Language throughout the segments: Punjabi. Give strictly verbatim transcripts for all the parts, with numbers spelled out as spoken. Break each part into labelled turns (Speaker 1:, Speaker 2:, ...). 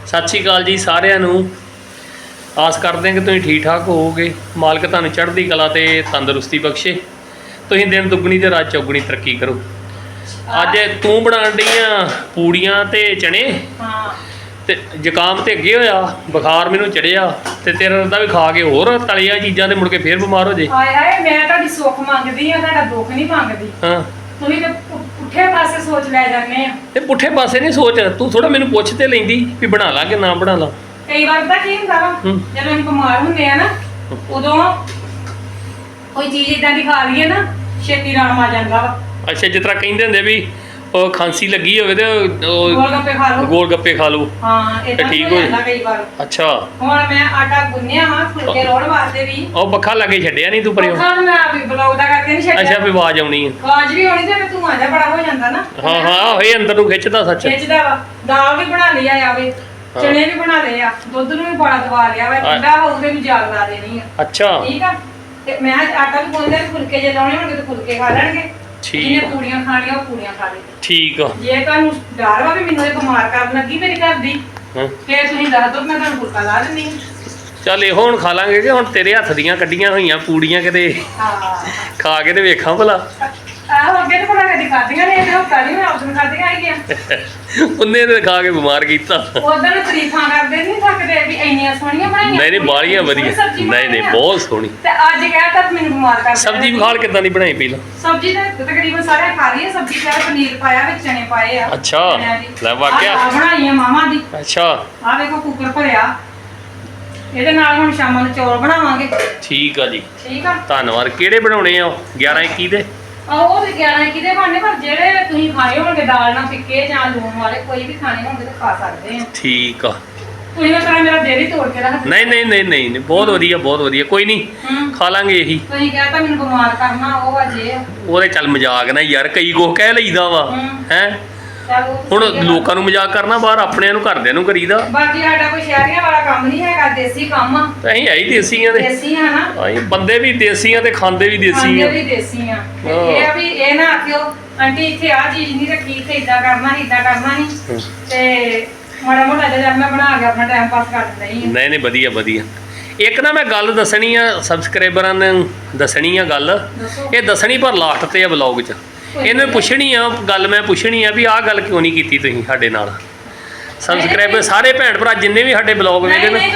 Speaker 1: सत श्री अकाल जी सारिਆਂ ਨੂੰ आस करते हैं कि तुम ठीक ठाक होवोगे। मालिक तुहानूं चढ़दी कला ते तंदुरुस्ती बख्शे, तुसीं दिन दुगनी ते रात चौगनी तरक्की करो। अज तू बनाण डई आ पूड़ियां ते चने ते जुकाम ते अगे होया, बुखार मैनूं चढ़िया ते तेरा रदा भी खा के होर तलिया चीज़ां ते मुड़ के फिर बीमार हो जाए।
Speaker 2: हाय हाय मैं तुहाडी सुख मंगदी आ, तुहाडा दुख नहीं मंगदी।
Speaker 1: हाँ
Speaker 2: तुसीं ते पुठे पासे सोच लै जाने आ।
Speaker 1: ते पुठे पासे नहीं सोच, तू थोड़ा मैनूं पुछ ते लैंदी भी बना ला कि ना बना ला।
Speaker 2: कई बार पता की हुंदा वा, जदों ਅਸੀਂ ਬਿਮਾਰ ਹੁੰਦੇ ਆ ਨਾ ਉਦੋਂ ਕੋਈ ਚੀਜ਼ ਇਦਾਂ ਦੀ ਖਾ ਲਈਏ ਨਾ ਛੇਤੀ ਆਰਾਮ ਆ ਜਾਂਦਾ ਵਾ।
Speaker 1: अच्छा जिस तरह कहते होंगे भी ਉਹ ਖਾਂਸੀ ਲੱਗੀ ਹੋਵੇ ਤੇ
Speaker 2: ਗੋਲ ਗੱਪੇ ਖਾ ਲਓ,
Speaker 1: ਗੋਲ ਗੱਪੇ ਖਾ ਲਓ।
Speaker 2: ਹਾਂ ਇਹ ਤਾਂ
Speaker 1: ਠੀਕ
Speaker 2: ਹੋ
Speaker 1: ਹੋ
Speaker 2: ਜਾਂਦਾ ਕਈ ਵਾਰ।
Speaker 1: ਅੱਛਾ
Speaker 2: ਹੁਣ ਮੈਂ ਆਟਾ ਗੁੰਨਿਆ ਵਾ ਫੁਲਕੇ ਰੋਣ ਵਾਸਤੇ ਵੀ।
Speaker 1: ਉਹ ਬੱਖਾ ਲਾਗੇ ਛੱਡਿਆ ਨਹੀਂ ਤੂੰ ਪਰਿਓ?
Speaker 2: ਬੱਖਾ ਨੂੰ ਮੈਂ ਆ ਵੀ ਬਲੌਗ ਦਾ ਕਰਕੇ ਨਹੀਂ ਛੱਡਿਆ।
Speaker 1: ਅੱਛਾ ਵੀ ਆਵਾਜ਼ ਆਉਣੀ ਹੈ,
Speaker 2: ਆਵਾਜ਼ ਵੀ ਆਉਣੀ ਤੇ ਤੂੰ ਆਜਾ ਬੜਾ ਹੋ ਜਾਂਦਾ ਨਾ।
Speaker 1: ਹਾਂ ਹਾਂ ਇਹ ਅੰਦਰ ਨੂੰ ਖਿੱਚਦਾ ਸੱਚ।
Speaker 2: ਖਿੱਚਦਾ ਵਾ। ਦਾਲ ਵੀ ਬਣਾ ਲਈ ਆ ਆਵੇ, ਚਣੇ ਵੀ ਬਣਾ ਲਏ ਆ, ਦੁੱਧ ਨੂੰ ਵੀ ਬੜਾ ਦਵਾ ਲਿਆ ਵਾ, ਠੰਡਾ ਹੋਊਗਾ ਵੀ ਜਾਗ ਲਾ ਦੇਣੀ ਆ।
Speaker 1: ਅੱਛਾ
Speaker 2: ਠੀਕ ਆ ਤੇ ਮੈਂ ਆਟਾ ਵੀ ਗੁੰਨ ਲਿਆ, ਫੁਲਕੇ ਜੇ ਲਾਉਣੇ ਹੋਣਗੇ ਤੇ ਫੁਲਕੇ ਖਾ ਲੈਣਗੇ, ਜਿਹਨੇ ਪੂੜੀਆਂ ਖਾਣੀਆਂ ਉਹ ਪੂੜੀਆਂ ਖਾ ਲੇ।
Speaker 1: ਠੀਕ ਆ।
Speaker 2: ਜੇ ਤੁਹਾਨੂੰ ਡਰ ਵਾ ਵੀ ਮੈਨੂੰ ਇਹ ਬਿਮਾਰ ਕਰਨ ਲੱਗੀ ਮੇਰੀ ਘਰ ਦੀ, ਫੇਰ ਤੁਸੀਂ ਦੱਸ ਦਿਓ, ਮੈਂ ਤੁਹਾਨੂੰ ਫੁਲਕਾ ਲਾ ਦਿੰਦੀ ਹਾਂ।
Speaker 1: ਚੱਲ ਇਹੋ ਹੁਣ ਖਾ ਲਾਂਗੇ ਕਿ ਹੁਣ ਤੇਰੇ ਹੱਥ ਦੀਆਂ ਕੱਢੀਆਂ ਹੋਈਆਂ ਪੂੜੀਆਂ ਕਿਤੇ
Speaker 2: ਹਾਂ
Speaker 1: ਖਾ ਕੇ ਤੇ ਵੇਖਾਂ ਭਲਾ।
Speaker 2: ਆਹੋ ਅੱਗੇ ਤਾਂ ਭਲਾ ਕਦੀ ਖਾਧੀਆਂ ਨੇ, ਇਹ ਹਫਤਾ ਨਹੀਂ ਮੈਂ ਆਪਸ਼ਨ ਖਾਧੀਆਂ ਹੈਗੀਆਂ।
Speaker 1: ਉਹਨੇ ਤੇ ਖਾ ਕੇ ਬਿਮਾਰ ਕੀਤਾ।
Speaker 2: ਉਦੋਂ ਤਾਰੀਫਾਂ ਕਰਦੇ ਨਹੀਂ ਥੱਕਦੇ ਵੀ ਇੰਨੀਆਂ ਸੋਹਣੀਆਂ ਬਣਾਈਆਂ।
Speaker 1: ਨਹੀਂ ਨਹੀਂ ਬਾਲੀਆਂ ਵਧੀਆ, ਨਹੀਂ ਨਹੀਂ ਬਹੁਤ ਸੋਹਣੀ।
Speaker 2: ਤੇ ਅੱਜ ਕਹਿਤਾ ਮੈਨੂੰ ਬਿਮਾਰ ਕਰ।
Speaker 1: ਸਬਜ਼ੀ ਵਿਖਾਲ ਕਿੱਦਾਂ ਦੀ ਬਣਾਈ ਪਹਿਲਾਂ?
Speaker 2: ਸਬਜ਼ੀ ਤਾਂ ਤਕਰੀਬਨ ਸਾਰੇ ਖਾ ਲਈ ਹੈ। ਸਬਜ਼ੀ ਚਾਹ ਪਨੀਰ ਪਾਇਆ ਵਿੱਚ, ਚਨੇ ਪਾਏ ਆ।
Speaker 1: ਅੱਛਾ ਲੈ ਵਾਕਿਆ
Speaker 2: ਆਹ ਬਣਾਈ ਆ ਮਾਮਾ ਦੀ।
Speaker 1: ਅੱਛਾ
Speaker 2: ਆਹ ਵੇਖੋ ਕੁੱਕਰ ਭਰਿਆ, ਇਹਦੇ ਨਾਲ ਹੁਣ ਸ਼ਾਮਾਂ ਨੂੰ ਚੌਲ ਬਣਾਵਾਂਗੇ।
Speaker 1: ਠੀਕ ਆ ਜੀ,
Speaker 2: ਠੀਕ ਆ
Speaker 1: ਧੰਨਵਾਦ। ਕਿਹੜੇ ਬਣਾਉਣੇ ਆ? ਗਿਆਰਾਂ ਇੱਕੀ ਦੇ?
Speaker 2: ਉਹ ਤੇ ਗਿਆਰਾਂ ਕਿਤੇ ਬਣਨੇ, ਪਰ ਜਿਹੜੇ ਤੁਸੀਂ ਖਾਣੇ ਹੋਣਗੇ ਦਾਲ ਨਾਲ ਫਿੱਕੇ ਜਾਂ ਲੂਣ ਵਾਲੇ ਕੋਈ ਵੀ ਖਾਣੇ ਹੋਣਗੇ ਤਾਂ ਖਾ ਸਕਦੇ ਆ।
Speaker 1: ਠੀਕ ਆ।
Speaker 2: ਤੁਸੀਂ ਨਾ ਕਰਾਂ ਮੇਰਾ ਦਿਲ ਹੀ ਤੋੜ ਕੇ ਰੱਖ।
Speaker 1: ਨਹੀਂ ਨਹੀਂ ਨਹੀਂ ਨਹੀਂ ਨਹੀਂ, ਬਹੁਤ ਵਧੀਆ ਬਹੁਤ ਵਧੀਆ, ਕੋਈ ਨਹੀਂ ਖਾ ਲਾਂਗੇ ਇਹੀ।
Speaker 2: ਤੁਸੀਂ ਕਹਿੰਦਾ ਮੈਨੂੰ ਬਿਮਾਰ ਕਰਨਾ ਉਹ ਅਜੇ
Speaker 1: ਉਹਦੇ ਚੱਲ ਮਜ਼ਾਕ ਨਾ ਯਾਰ, ਕਈ ਕੁਛ ਕਹਿ ਲਈਦਾ ਵਾ ਹੈ। ਹੁਣ ਲੋਕਾਂ ਨੂੰ ਮਜ਼ਾਕ ਕਰਨਾ ਬਾਹਰ, ਆਪਣਿਆਂ ਨੂੰ ਘਰਦਿਆਂ ਨੂੰ ਕਰੀਦਾ।
Speaker 2: ਬਾਕੀ ਸਾਡਾ ਕੋਈ ਸ਼ਹਿਰੀਆਂ ਵਾਲਾ ਕੰਮ ਨਹੀਂ ਹੈਗਾ, ਦੇਸੀ ਕੰਮ ਆ।
Speaker 1: ਅਸੀਂ ਹੈ ਹੀ ਦੇਸੀ ਆ ਤੇ
Speaker 2: ਦੇਸੀ ਆ ਨਾ,
Speaker 1: ਅਸੀਂ ਬੰਦੇ ਵੀ ਦੇਸੀ ਆ ਤੇ ਖਾਂਦੇ ਵੀ ਦੇਸੀ
Speaker 2: ਖਾਂਦੇ
Speaker 1: ਆ।
Speaker 2: ਵੀ ਦੇਸੀ ਆ। ਤੇ ਇਹ ਆ ਵੀ ਇਹ ਨਾ ਆਖਿਓ ਆਂਟੀ ਇੱਥੇ ਆ ਚੀਜ਼ ਨਹੀਂ ਰੱਖੀ, ਇੱਥੇ ਇਦਾਂ ਕਰਨਾ ਇਦਾਂ ਕਰਨਾ ਨਹੀਂ, ਤੇ ਮਾੜਾ ਮੋਟਾ ਜਿਹਾ ਮੈਂ ਬਣਾ ਕੇ ਆਪਣਾ ਟਾਈਮ ਪਾਸ ਕਰ ਦਿੰਦਾ ਹੀ।
Speaker 1: ਨਹੀਂ ਨਹੀਂ ਵਧੀਆ ਵਧੀਆ। ਇੱਕ ਨਾ ਮੈਂ ਗੱਲ ਦੱਸਣੀ ਆ ਸਬਸਕ੍ਰਾਈਬਰਾਂ ਨੂੰ, ਦੱਸਣੀ ਆ ਗੱਲ, ਇਹ ਦੱਸਣੀ ਪਰ ਲਾਸਟ ਤੇ ਆ ਬਲੌਗ 'ਚ। ਇਹਨੂੰ ਪੁੱਛਣੀ ਆ ਗੱਲ, ਮੈਂ ਪੁੱਛਣੀ ਆ ਵੀ ਆਹ ਗੱਲ ਕਿਉਂ ਨਹੀਂ ਕੀਤੀ ਤੁਸੀਂ ਸਾਡੇ ਨਾਲ। ਸਬਸਕ੍ਰਾਈਬਰ ਸਾਰੇ ਭੈਣ ਭਰਾ ਜਿੰਨੇ ਵੀ ਸਾਡੇ ਬਲੌਗ ਵੇਖਦੇ ਨੇ,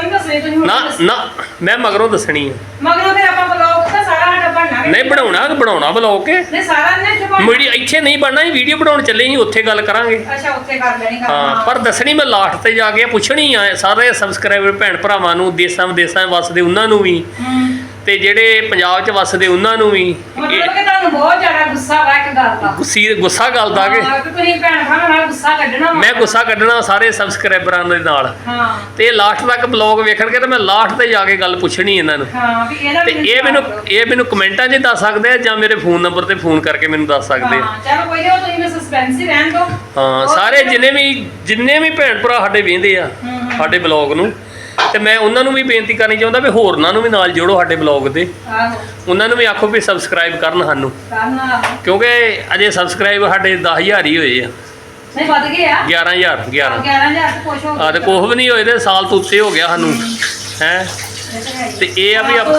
Speaker 1: ਨਾ ਨਾ ਮੈਂ ਮਗਰੋਂ ਦੱਸਣੀ ਆ।
Speaker 2: ਮਗਰੋਂ ਤੇ ਆਪਾਂ ਬਲੌਗ ਤਾਂ ਸਾਰਾ ਸਾਡਾ ਬਣਨਾ
Speaker 1: ਨਹੀਂ ਬਣਾਉਣਾ ਬਣਾਉਣਾ ਬਲੌਗ ਕੇ
Speaker 2: ਨਹੀਂ ਸਾਰਾ ਨੇ ਤੇ
Speaker 1: ਵੀਡੀਓ ਇੱਥੇ ਨਹੀਂ ਬਣਨਾ, ਵੀਡੀਓ ਬਣਾਉਣ ਚੱਲੇ ਸੀ ਉੱਥੇ ਗੱਲ ਕਰਾਂਗੇ।
Speaker 2: ਅੱਛਾ ਉੱਥੇ ਕਰ ਲੈਣੀ ਗੱਲ।
Speaker 1: ਹਾਂ ਪਰ ਦੱਸਣੀ ਮੈਂ ਲਾਸਟ ਤੇ ਜਾ ਕੇ ਪੁੱਛਣੀ ਆ ਸਾਰੇ ਸਬਸਕ੍ਰਾਈਬਰ ਭੈਣ ਭਰਾਵਾਂ ਨੂੰ, ਦੇਸਾਂ ਵਿਦੇਸਾਂ ਵਸਦੇ ਉਹਨਾਂ ਨੂੰ ਵੀ ਤੇ ਜਿਹੜੇ ਪੰਜਾਬ 'ਚ ਵਸਦੇ ਉਹਨਾਂ ਨੂੰ ਵੀ।
Speaker 2: ਮਤਲਬ ਕਿ ਤੁਹਾਨੂੰ ਬਹੁਤ ਜ਼ਿਆਦਾ ਗੁੱਸਾ ਵਾ ਇੱਕ ਗੱਲ ਦਾ।
Speaker 1: ਗੁੱਸੀ ਗੁੱਸਾ ਗੱਲ ਦਾ ਕਿ
Speaker 2: ਤੁਸੀਂ ਭੈਣ ਭਰਾਵਾਂ ਨਾਲ ਗੁੱਸਾ ਕੱਢਣਾ।
Speaker 1: ਮੈਂ ਗੁੱਸਾ ਕੱਢਣਾ ਸਾਰੇ ਸਬਸਕ੍ਰਾਈਬਰਾਂ ਦੇ ਨਾਲ।
Speaker 2: ਹਾਂ
Speaker 1: ਤੇ ਲਾਸਟ ਤੱਕ ਬਲੌਗ ਵੇਖਣਗੇ ਤੇ ਮੈਂ ਲਾਸਟ ਤੇ ਜਾ ਕੇ ਗੱਲ ਪੁੱਛਣੀ ਇਹਨਾਂ ਨੂੰ।
Speaker 2: ਹਾਂ ਵੀ ਇਹਦਾ
Speaker 1: ਤੇ ਇਹ ਮੈਨੂੰ ਇਹ ਮੈਨੂੰ ਕਮੈਂਟਾਂ 'ਚ ਦੱਸ ਸਕਦੇ ਆ ਜਾਂ ਮੇਰੇ ਫੋਨ ਨੰਬਰ ਤੇ ਫੋਨ ਕਰਕੇ ਮੈਨੂੰ ਦੱਸ ਸਕਦੇ ਆ।
Speaker 2: ਹਾਂ ਚਲੋ ਕੋਈ ਨਹੀਂ, ਤੁਸੀਂ ਮੈਂ ਸਸਪੈਂਸ ਹੀ ਰਹਿਣ ਦਿਓ।
Speaker 1: ਹਾਂ ਸਾਰੇ ਜਿੰਨੇ ਵੀ ਜਿੰਨੇ ਵੀ ਭੈਣ ਭਰਾ ਸਾਡੇ ਵੇਖਦੇ ਆ ਸਾਡੇ ਬਲੌਗ ਨੂੰ, ਤੇ ਮੈਂ ਉਹਨਾਂ ਨੂੰ ਵੀ ਬੇਨਤੀ ਕਰਨੀ ਚਾਹੁੰਦਾ ਵੀ ਹੋਰਨਾਂ ਨੂੰ ਵੀ ਨਾਲ ਜੋੜੋ ਸਾਡੇ ਬਲੌਗ ਦੇ।
Speaker 2: ਆਹੋ
Speaker 1: ਉਹਨਾਂ ਨੂੰ ਵੀ ਆਖੋ ਵੀ ਸਬਸਕ੍ਰਾਈਬ ਕਰਨ ਸਾਨੂੰ,
Speaker 2: ਕਰਨਾ
Speaker 1: ਕਿਉਂਕਿ ਅਜੇ ਸਬਸਕ੍ਰਾਈਬ ਸਾਡੇ ਦਸ ਹਜ਼ਾਰ ਹੀ ਹੋਏ ਆ।
Speaker 2: ਨਹੀਂ ਵੱਧ ਗਏ ਆ
Speaker 1: ਗਿਆਰਾਂ ਹਜ਼ਾਰ ਗਿਆਰਾਂ
Speaker 2: ਗਿਆਰਾਂ ਹਜ਼ਾਰ ਤੇ ਕੁਛ ਹੋ ਗਿਆ।
Speaker 1: ਆ ਤੇ ਕੁਛ ਵੀ ਨਹੀਂ ਹੋਏ ਤੇ ਸਾਲ ਤੋਂ ਉੱਤੇ ਹੋ ਗਿਆ ਸਾਨੂੰ ਹੈ। ਤੇ ਇਹ ਆ ਵੀ
Speaker 2: ਹਾਂ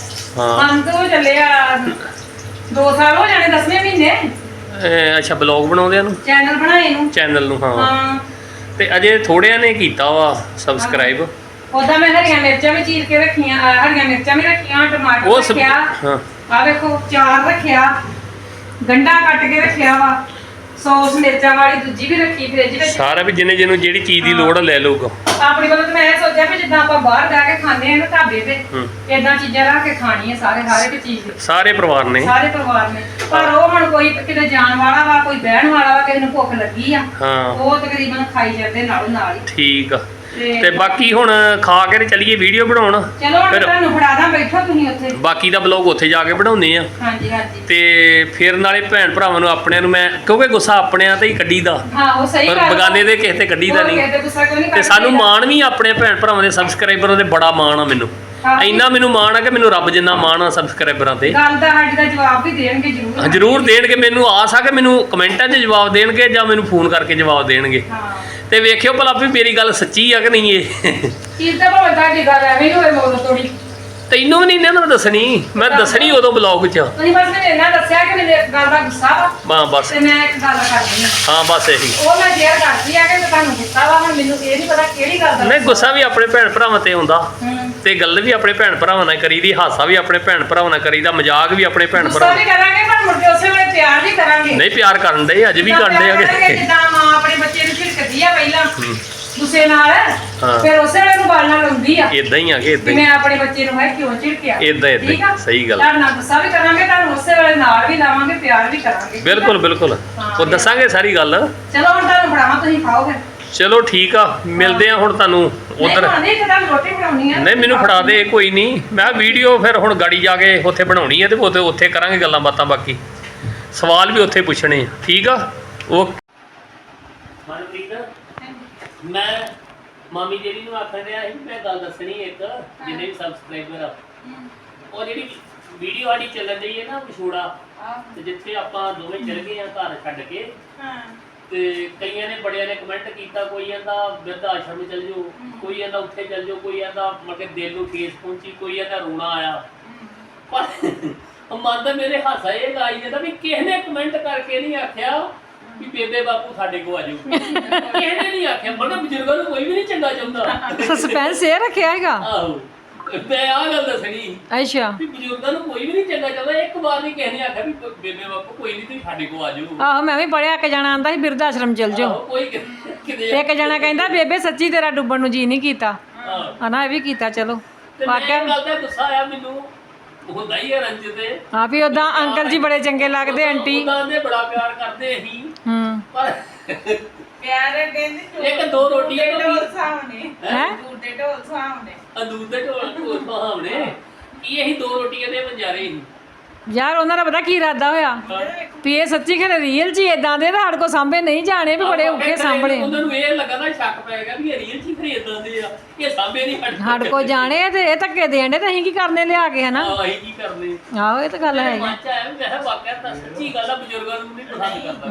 Speaker 2: ਹਮ ਤੋਂ ਚੱਲੇ ਆ ਦੋ ਸਾਲ ਹੋ ਜਾਣੇ, ਦਸਵੇਂ ਮਹੀਨੇ।
Speaker 1: ਅੱਛਾ ਬਲੌਗ ਬਣਾਉਂਦਿਆਂ ਨੂੰ,
Speaker 2: ਚੈਨਲ ਬਣਾਏ ਨੂੰ,
Speaker 1: ਚੈਨਲ ਨੂੰ। ਹਾਂ
Speaker 2: ਹਾਂ
Speaker 1: ਤੇ ਅਜੇ ਥੋੜਿਆਂ ਨੇ ਕੀਤਾ ਵਾ ਸਬਸਕ੍ਰਾਈਬ।
Speaker 2: ਉਹਦਾ ਮੈਂ ਹਰੀਆਂ ਮਿਰਚਾਂ ਵੀ ਚੀਰ ਕੇ ਰੱਖੀਆਂ, ਹਰੀਆਂ ਮਿਰਚਾਂ ਵੀ ਰੱਖੀਆਂ, ਟਮਾਟਰ ਰੱਖਿਆ,
Speaker 1: ਹਾਂ
Speaker 2: ਆ ਵੇਖੋ ਚਾਰ ਰੱਖਿਆ, ਗੰਢਾ ਕੱਟ ਕੇ ਰੱਖਿਆ ਵਾ, ਸੌਸ ਮਿਰਚਾਂ ਵਾਲੀ ਦੂਜੀ ਵੀ ਰੱਖੀ ਫ੍ਰਿਜ ਵਿੱਚ।
Speaker 1: ਸਾਰਾ ਵੀ ਜਿਹਨੇ ਜਿਹਨੂੰ ਜਿਹੜੀ ਚੀਜ਼ ਦੀ ਲੋੜ ਲੈ ਲਊਗਾ।
Speaker 2: ਆਪਣੀ ਵੱਲੋਂ ਤਾਂ ਮੈਂ ਇਹ ਸੋਚਿਆ ਵੀ ਜਿੱਦਾਂ ਆਪਾਂ ਬਾਹਰ ਜਾ ਕੇ ਖਾਂਦੇ ਆ ਨਾ ਢਾਬੇ ਤੇ, ਏਦਾਂ ਚੀਜ਼ਾਂ ਰੱਖ ਕੇ ਖਾਣੀਆਂ ਸਾਰੇ ਹਰ ਇੱਕ ਚੀਜ਼
Speaker 1: ਸਾਰੇ ਪਰਿਵਾਰ ਨੇ
Speaker 2: ਸਾਰੇ ਪਰਿਵਾਰ ਨੇ। ਪਰ ਉਹ ਹੁਣ ਕੋਈ ਕਿਤੇ ਜਾਣ ਵਾਲਾ ਵਾ, ਕੋਈ ਬਹਿਣ ਵਾਲਾ ਵਾ, ਕਿਸੇ ਨੂੰ ਭੁੱਖ ਲੱਗੀ ਆ,
Speaker 1: ਹਾਂ
Speaker 2: ਉਹ ਤਕਰੀਬਨ ਖਾਈ ਜਾਂਦੇ ਨਾਲੋਂ ਨਾਲ ਹੀ।
Speaker 1: ਠੀਕ ਆ। ਤੇ ਬਾਕੀ ਹੁਣ ਖਾ ਕੇ ਤੇ ਚੱਲੀਏ ਵੀਡੀਓ ਬਣਾਉਣ।
Speaker 2: ਚਲੋ ਹੁਣ ਤੁਹਾਨੂੰ ਫੜਾਦਾ, ਬੈਠੋ ਤੁਸੀਂ ਉੱਥੇ,
Speaker 1: ਬਾਕੀ ਦਾ ਬਲੌਗ ਉੱਥੇ ਜਾ ਕੇ ਬਣਾਉਂਦੇ ਆ।
Speaker 2: ਹਾਂਜੀ ਹਾਂਜੀ।
Speaker 1: ਤੇ ਫਿਰ ਨਾਲੇ ਭੈਣ ਭਰਾਵਾਂ ਨੂੰ ਆਪਣਿਆਂ ਨੂੰ ਮੈਂ, ਕਿਉਂਕਿ ਗੁੱਸਾ ਆਪਣਿਆਂ ਤੇ ਹੀ ਕੱਢੀਦਾ,
Speaker 2: ਹਾਂ ਉਹ ਸਹੀ
Speaker 1: ਪਰ
Speaker 2: ਗੱਲ,
Speaker 1: ਬਗਾਨੇ ਦੇ ਕਿਸੇ ਤੇ ਕੱਢੀਦਾ ਨਹੀਂ। ਤੇ ਸਾਨੂੰ ਮਾਣ ਵੀ ਆਪਣੇ ਭੈਣ ਭਰਾਵਾਂ ਦੇ ਸਬਸਕ੍ਰਾਈਬਰਾਂ ਦੇ ਬੜਾ ਮਾਣ ਆ। ਮੈਨੂੰ ਇੰਨਾ ਮੈਨੂੰ ਮਾਣ ਆ ਕਿ ਮੈਨੂੰ ਰੱਬ ਜਿੰਨਾ ਮਾਣ ਆ ਸਬਸਕ੍ਰਾਈਬਰਾਂ ਤੇ।
Speaker 2: ਗੱਲ ਦਾ ਸਾਡੀ ਦਾ ਜਵਾਬ ਵੀ ਦੇਣਗੇ ਜ਼ਰੂਰ,
Speaker 1: ਜ਼ਰੂਰ ਦੇਣਗੇ। ਮੈਨੂੰ ਆਸ ਆ ਕਿ ਮੈਨੂੰ ਕਮੈਂਟਾਂ 'ਚ ਜਵਾਬ ਦੇਣਗੇ ਜਾਂ ਮੈਨੂੰ ਫੋਨ ਕਰਕੇ ਜਵਾਬ ਦੇਣਗੇ। ਤੇ ਵੇਖਿਓ ਭਲਾ ਵੀ ਮੇਰੀ ਗੱਲ ਸੱਚੀ ਆ ਕਿ ਨਹੀਂ ਇਹ
Speaker 2: ਕੀ ਤਾਂ ਭਾਵੇਂ ਤੁਹਾਡੀ ਗੱਲ ਐਵੇਂ ਹੀ ਹੋਵੇ ਮੋੜ ਤੋੜੀ
Speaker 1: ਤੈਨੂੰ ਵੀ ਨਹੀਂ ਨਾ ਮੈਂ ਦੱਸਣੀ ਮੈਂ ਦੱਸਣੀ ਉਦੋਂ ਬਲੌਗ 'ਚ
Speaker 2: ਤੁਸੀਂ ਬਸ ਮੈਨੂੰ ਇਹਨਾਂ ਦੱਸਿਆ ਕਿ ਮੈਨੂੰ ਇੱਕ ਗੱਲ ਦਾ ਗੁੱਸਾ ਵਾ
Speaker 1: ਹਾਂ ਬਸ
Speaker 2: ਤੇ ਮੈਂ ਇੱਕ ਗੱਲ ਕਰਦੀ ਹਾਂ
Speaker 1: ਹਾਂ ਬਸ ਇਹੀ
Speaker 2: ਉਹ ਮੈਂ ਸ਼ੇਅਰ ਕਰਦੀ ਆ ਕਿ ਮੈਂ ਤੁਹਾਨੂੰ ਗੁੱਸਾ ਵਾ ਹੁਣ ਮੈਨੂੰ ਇਹ ਨਹੀਂ ਪਤਾ ਕਿਹੜੀ ਗੱਲ ਦਾ
Speaker 1: ਨਹੀਂ ਗੁੱਸਾ ਵੀ ਆਪਣੇ ਭੈਣ ਭਰਾਵਾਂ ਤੇ ਹੁੰਦਾ
Speaker 2: ਹੂੰ
Speaker 1: ਤੇ ਗੱਲ ਵੀ ਆਪਣੇ ਭੈਣ ਭਰਾਵਾਂ ਨਾਲ ਕਰੀਦੀ ਹਾਸਾ ਵੀ ਆਪਣੇ ਭੈਣ ਭਰਾਵਾਂ ਨਾਲ ਕਰੀਦਾ ਮਜ਼ਾਕ ਵੀ ਆਪਣੇ ਭੈਣ
Speaker 2: ਗੁੱਸਾ
Speaker 1: ਭਰਾਵਾਂ
Speaker 2: ਵੀ ਕਰਾਂਗੇ ਪਰ ਮੁੜ ਕੇ ਉਸੇ ਵੇਲੇ ਪਿਆਰ ਵੀ ਕਰਾਂਗੇ
Speaker 1: ਨਹੀਂ ਪਿਆਰ ਕਰਨ ਦੇ ਅੱਜ ਵੀ
Speaker 2: ਜਿੱਦਾਂ
Speaker 1: ਕਰਦੇ
Speaker 2: ਪਿਆਰ ਕਰਾਂਗੇ,
Speaker 1: ਆਗੇ
Speaker 2: ਜਿੱਦਾਂ ਮਾਂ ਆਪਣੇ ਬੱਚੇ ਨੂੰ ਝਿੜਕਦੀ ਆ ਪਹਿਲਾਂ ਗੁੱਸੇ ਨਾਲ
Speaker 1: ਹਾਂ।
Speaker 2: ਫਿਰ ਉਸੇ ਵੇਲੇ ਨੂੰ ਗੱਲ ਨਾਲ ਲਾਉਂਦੀ ਆ
Speaker 1: ਇਦਾਂ ਹੀ ਆਗੇ
Speaker 2: ਕਿ
Speaker 1: ਇਦਾਂ ਹੀ
Speaker 2: ਮੈਂ ਆਪਣੇ ਬੱਚੇ ਨੂੰ ਹੈ ਕਿਉਂ ਝਿੜਕਿਆ
Speaker 1: ਏਦਾਂ- ਏਦਾਂ ਹੀ,
Speaker 2: ਠੀਕ ਆ?
Speaker 1: ਸਹੀ ਗੱਲ।
Speaker 2: ਤੁਹਾਡੇ ਨਾਲ ਗੁੱਸਾ ਵੀ ਕਰਾਂਗੇ ਤੁਹਾਨੂੰ ਉਸੇ ਵੇਲੇ ਨਾਲ ਵੀ ਲਾਵਾਂਗੇ ਪਿਆਰ ਵੀ ਕਰਾਂਗੇ ਠੀਕ ਆ?
Speaker 1: ਬਿਲਕੁਲ ਬਿਲਕੁਲ ਉਹ ਦੱਸਾਂਗੇ ਸਾਰੀ ਗੱਲ
Speaker 2: ਚਲੋ ਹੁਣ ਤੁਹਾਨੂੰ ਫੜਾਵਾਂ ਤੁਸੀਂ ਖਾਓ ਫਿਰ
Speaker 1: ਚਲੋ ਠੀਕ ਆ ਮਿਲਦੇ ਆ ਹੁਣ ਤੁਹਾਨੂੰ ਉਧਰ
Speaker 2: ਨਹੀਂ ਨਹੀਂ ਤੁਹਾਨੂੰ ਰੋਟੀ ਬਣਾਉਣੀ ਆ
Speaker 1: ਨਹੀਂ ਮੈਨੂੰ ਫੜਾ ਦੇ ਕੋਈ ਨਹੀਂ ਮੈਂ ਵੀਡੀਓ ਫਿਰ ਹੁਣ ਗਾੜੀ ਜਾ ਕੇ ਉੱਥੇ ਬਣਾਉਣੀ ਹੈ ਤੇ ਉੱਥੇ ਉੱਥੇ ਕਰਾਂਗੇ ਗੱਲਾਂ ਬਾਤਾਂ ਬਾਕੀ ਸਵਾਲ ਵੀ ਉੱਥੇ ਪੁੱਛਣੇ ਆ ਠੀਕ ਆ ਓਕੇ ਮਨਪ੍ਰੀਤ ਮੈਂ ਮਾਮੀ ਜਿਹੜੀ ਨੂੰ ਆਖਣ ਰਿਹਾ ਸੀ ਮੈਂ ਗੱਲ ਦੱਸਣੀ ਇੱਕ ਜਿੰਨੇ ਵੀ ਸਬਸਕ੍ਰਾਈਬਰ ਆ ਉਹ ਜਿਹੜੀ ਵੀਡੀਓ ਆੜੀ ਚੱਲਣ ਰਹੀ ਹੈ ਨਾ ਵਿਛੋੜਾ ਤੇ ਜਿੱਥੇ ਆਪਾਂ ਦੋਵੇਂ ਚਲ ਗਏ ਆ ਘਰ ਛੱਡ ਕੇ ਤੇ ਕਈਆਂ ਨੇ ਬੜਿਆਂ ਨੇ ਕਮੈਂਟ ਕੀਤਾ ਕੋਈ ਕਹਿੰਦਾ ਬਿਰਧ ਆਸ਼ਰਮ ਚਲ ਜਾਓ ਕੋਈ ਕਹਿੰਦਾ ਉੱਥੇ ਚਲ ਜਾਓ ਕੋਈ ਕਹਿੰਦਾ ਮਤਲਬ ਦਿਲ ਨੂੰ ਠੇਸ ਪਹੁੰਚੀ ਕੋਈ ਕਹਿੰਦਾ ਰੋਣਾ ਆਇਆ ਪਰ ਮਨ ਤਾਂ ਮੇਰੇ ਹਾਸਾ ਇਹ ਲਾਈ ਜਾਂਦਾ ਵੀ ਕਿਸੇ ਨੇ ਕਮੈਂਟ ਕਰਕੇ ਨਹੀਂ ਆਖਿਆ ਵੀ ਬੇਬੇ ਬਾਪੂ ਸਾਡੇ ਕੋ ਆ ਜਾਓ ਕਿਸੇ ਨੇ ਨਹੀਂ ਆਖਿਆ ਮਨ ਬਜ਼ੁਰਗਾਂ ਨੂੰ ਕੋਈ ਵੀ ਨਹੀਂ ਚੰਗਾ ਚਾਹੁੰਦਾ
Speaker 3: ਸਸਪੈਂਸ ਇਹ ਰੱਖਿਆ ਹੈਗਾ
Speaker 1: ਆਹੋ ਮੈਂ ਆ ਗੱਲ ਦੱਸਣੀ
Speaker 3: ਅੱਛਾ
Speaker 1: ਵੀ ਬਜ਼ੁਰਗਾਂ ਨੂੰ ਕੋਈ ਵੀ ਨਹੀਂ ਚੰਗਾ ਚਾਹੁੰਦਾ ਇੱਕ ਵਾਰ ਨਹੀਂ ਕਿਸੇ ਨੇ ਆਖਿਆ ਵੀ ਬੇਬੇ ਬਾਪੂ ਕੋਈ ਨਹੀਂ ਤੁਸੀਂ ਸਾਡੇ ਕੋ ਆ ਜਾਓ
Speaker 3: ਆਹੋ ਮੈਂ ਵੀ ਪੜਿਆ ਇੱਕ ਜਣਾ ਆਂਦਾ ਸੀ ਬਿਰਧ ਆਸ਼ਰਮ ਚਲ ਜਾਓ
Speaker 1: ਆਹੋ, ਕੋਈ ਕਿਤੇ
Speaker 3: ਇੱਕ ਜਣਾ ਕਹਿੰਦਾ ਬੇਬੇ ਸੱਚੀ ਤੇਰਾ ਡੁੱਬਣ ਨੂੰ ਜੀ ਨਹੀਂ ਕੀਤਾ
Speaker 1: ਆਹ
Speaker 3: ਹਨਾ ਇਹ ਵੀ ਕੀਤਾ ਚਲੋ
Speaker 1: ਤੇ ਮੈਂ
Speaker 3: ਵਾਕਿਆ
Speaker 1: ਇਹ ਗੱਲ ਦਾ ਗੁੱਸਾ ਆਇਆ ਮੈਨੂੰ ਹੁੰਦਾ ਹੀ ਹੈ ਰੰਜ ਤੇ
Speaker 3: ਹਾਂ ਵੀ ਉਦਾਂ ਅੰਕਲ ਜੀ ਬੜੇ ਚੰਗੇ ਲੱਗਦੇ ਆਂਟੀ
Speaker 1: ਉਦਾਂ ਦੇ ਬੜਾ ਪਿਆਰ ਕਰਦੇ ਅਸੀਂ
Speaker 3: ਹੂੰ
Speaker 1: ਪਰ
Speaker 2: ਪਿਆਰ ਕਹਿੰਦੇ
Speaker 1: ਇੱਕ ਦੋ ਰੋਟੀਆਂ ਤੋਂ ਵੀ
Speaker 2: ਸਾਹਮਣੇ
Speaker 3: ਹੈ
Speaker 2: ਝੂਟੇ ਢੋਲ ਸਾਹਮਣੇ
Speaker 1: ਅੰਦੂਰ ਦੇ ਢੋਲ ਢੋਲ ਭਾਵਨੇ ਕੀ ਅਸੀਂ ਦੋ ਰੋਟੀਆਂ ਦੇ ਮੰਜਾਰੇ ਸੀ
Speaker 3: ਯਾਰ ਉਹਨਾਂ ਦਾ ਪਤਾ ਕੀ ਇਰਾਦਾ ਹੋਇਆ ਵੀ ਇਹ ਸੱਚੀ ਖਰੇ ਰੀਅਲ ਜੀ ਇਦਾਂ ਦੇ ਸਾਡੇ ਕੋ ਸਾਂਭੇ ਨਹੀਂ ਜਾਣੇ ਵੀ ਬੜੇ ਔਖੇ ਸਾਂਭਣੇ
Speaker 1: ਉਹਨਾਂ ਨੂੰ ਇਹ ਲੱਗਾ ਨਾ ਸ਼ੱਕ ਪੈ ਗਿਆ ਵੀ ਇਹ ਰੀਅਲ ਚੀ ਖਰੀਦਾਂ ਦੇ ਆ ਇਹ ਸਾਂਭੇ ਨਹੀਂ ਹਟ
Speaker 3: ਸਾਡੇ ਕੋ ਜਾਣੇ ਤੇ ਇਹ ਧੱਕੇ ਦੇਣ ਦੇ ਤੇ ਅਸੀਂ ਕੀ ਕਰਨੇ ਲਿਆ ਕੇ ਹਨਾ
Speaker 1: ਅਸੀਂ ਕੀ ਕਰਨੇ
Speaker 3: ਆਹੋ ਇਹ ਤਾਂ ਗੱਲ ਹੈ
Speaker 1: ਮਨ ਚ ਆਇਆ ਵੀ ਮੈਂ ਕਿਹਾ ਵਾਕਿਆ ਤਾਂ ਸੱਚੀ ਗੱਲ ਆ ਬਜ਼ੁਰਗਾਂ ਨੂੰ ਨਹੀਂ ਪਸੰਦ ਕਰਦਾ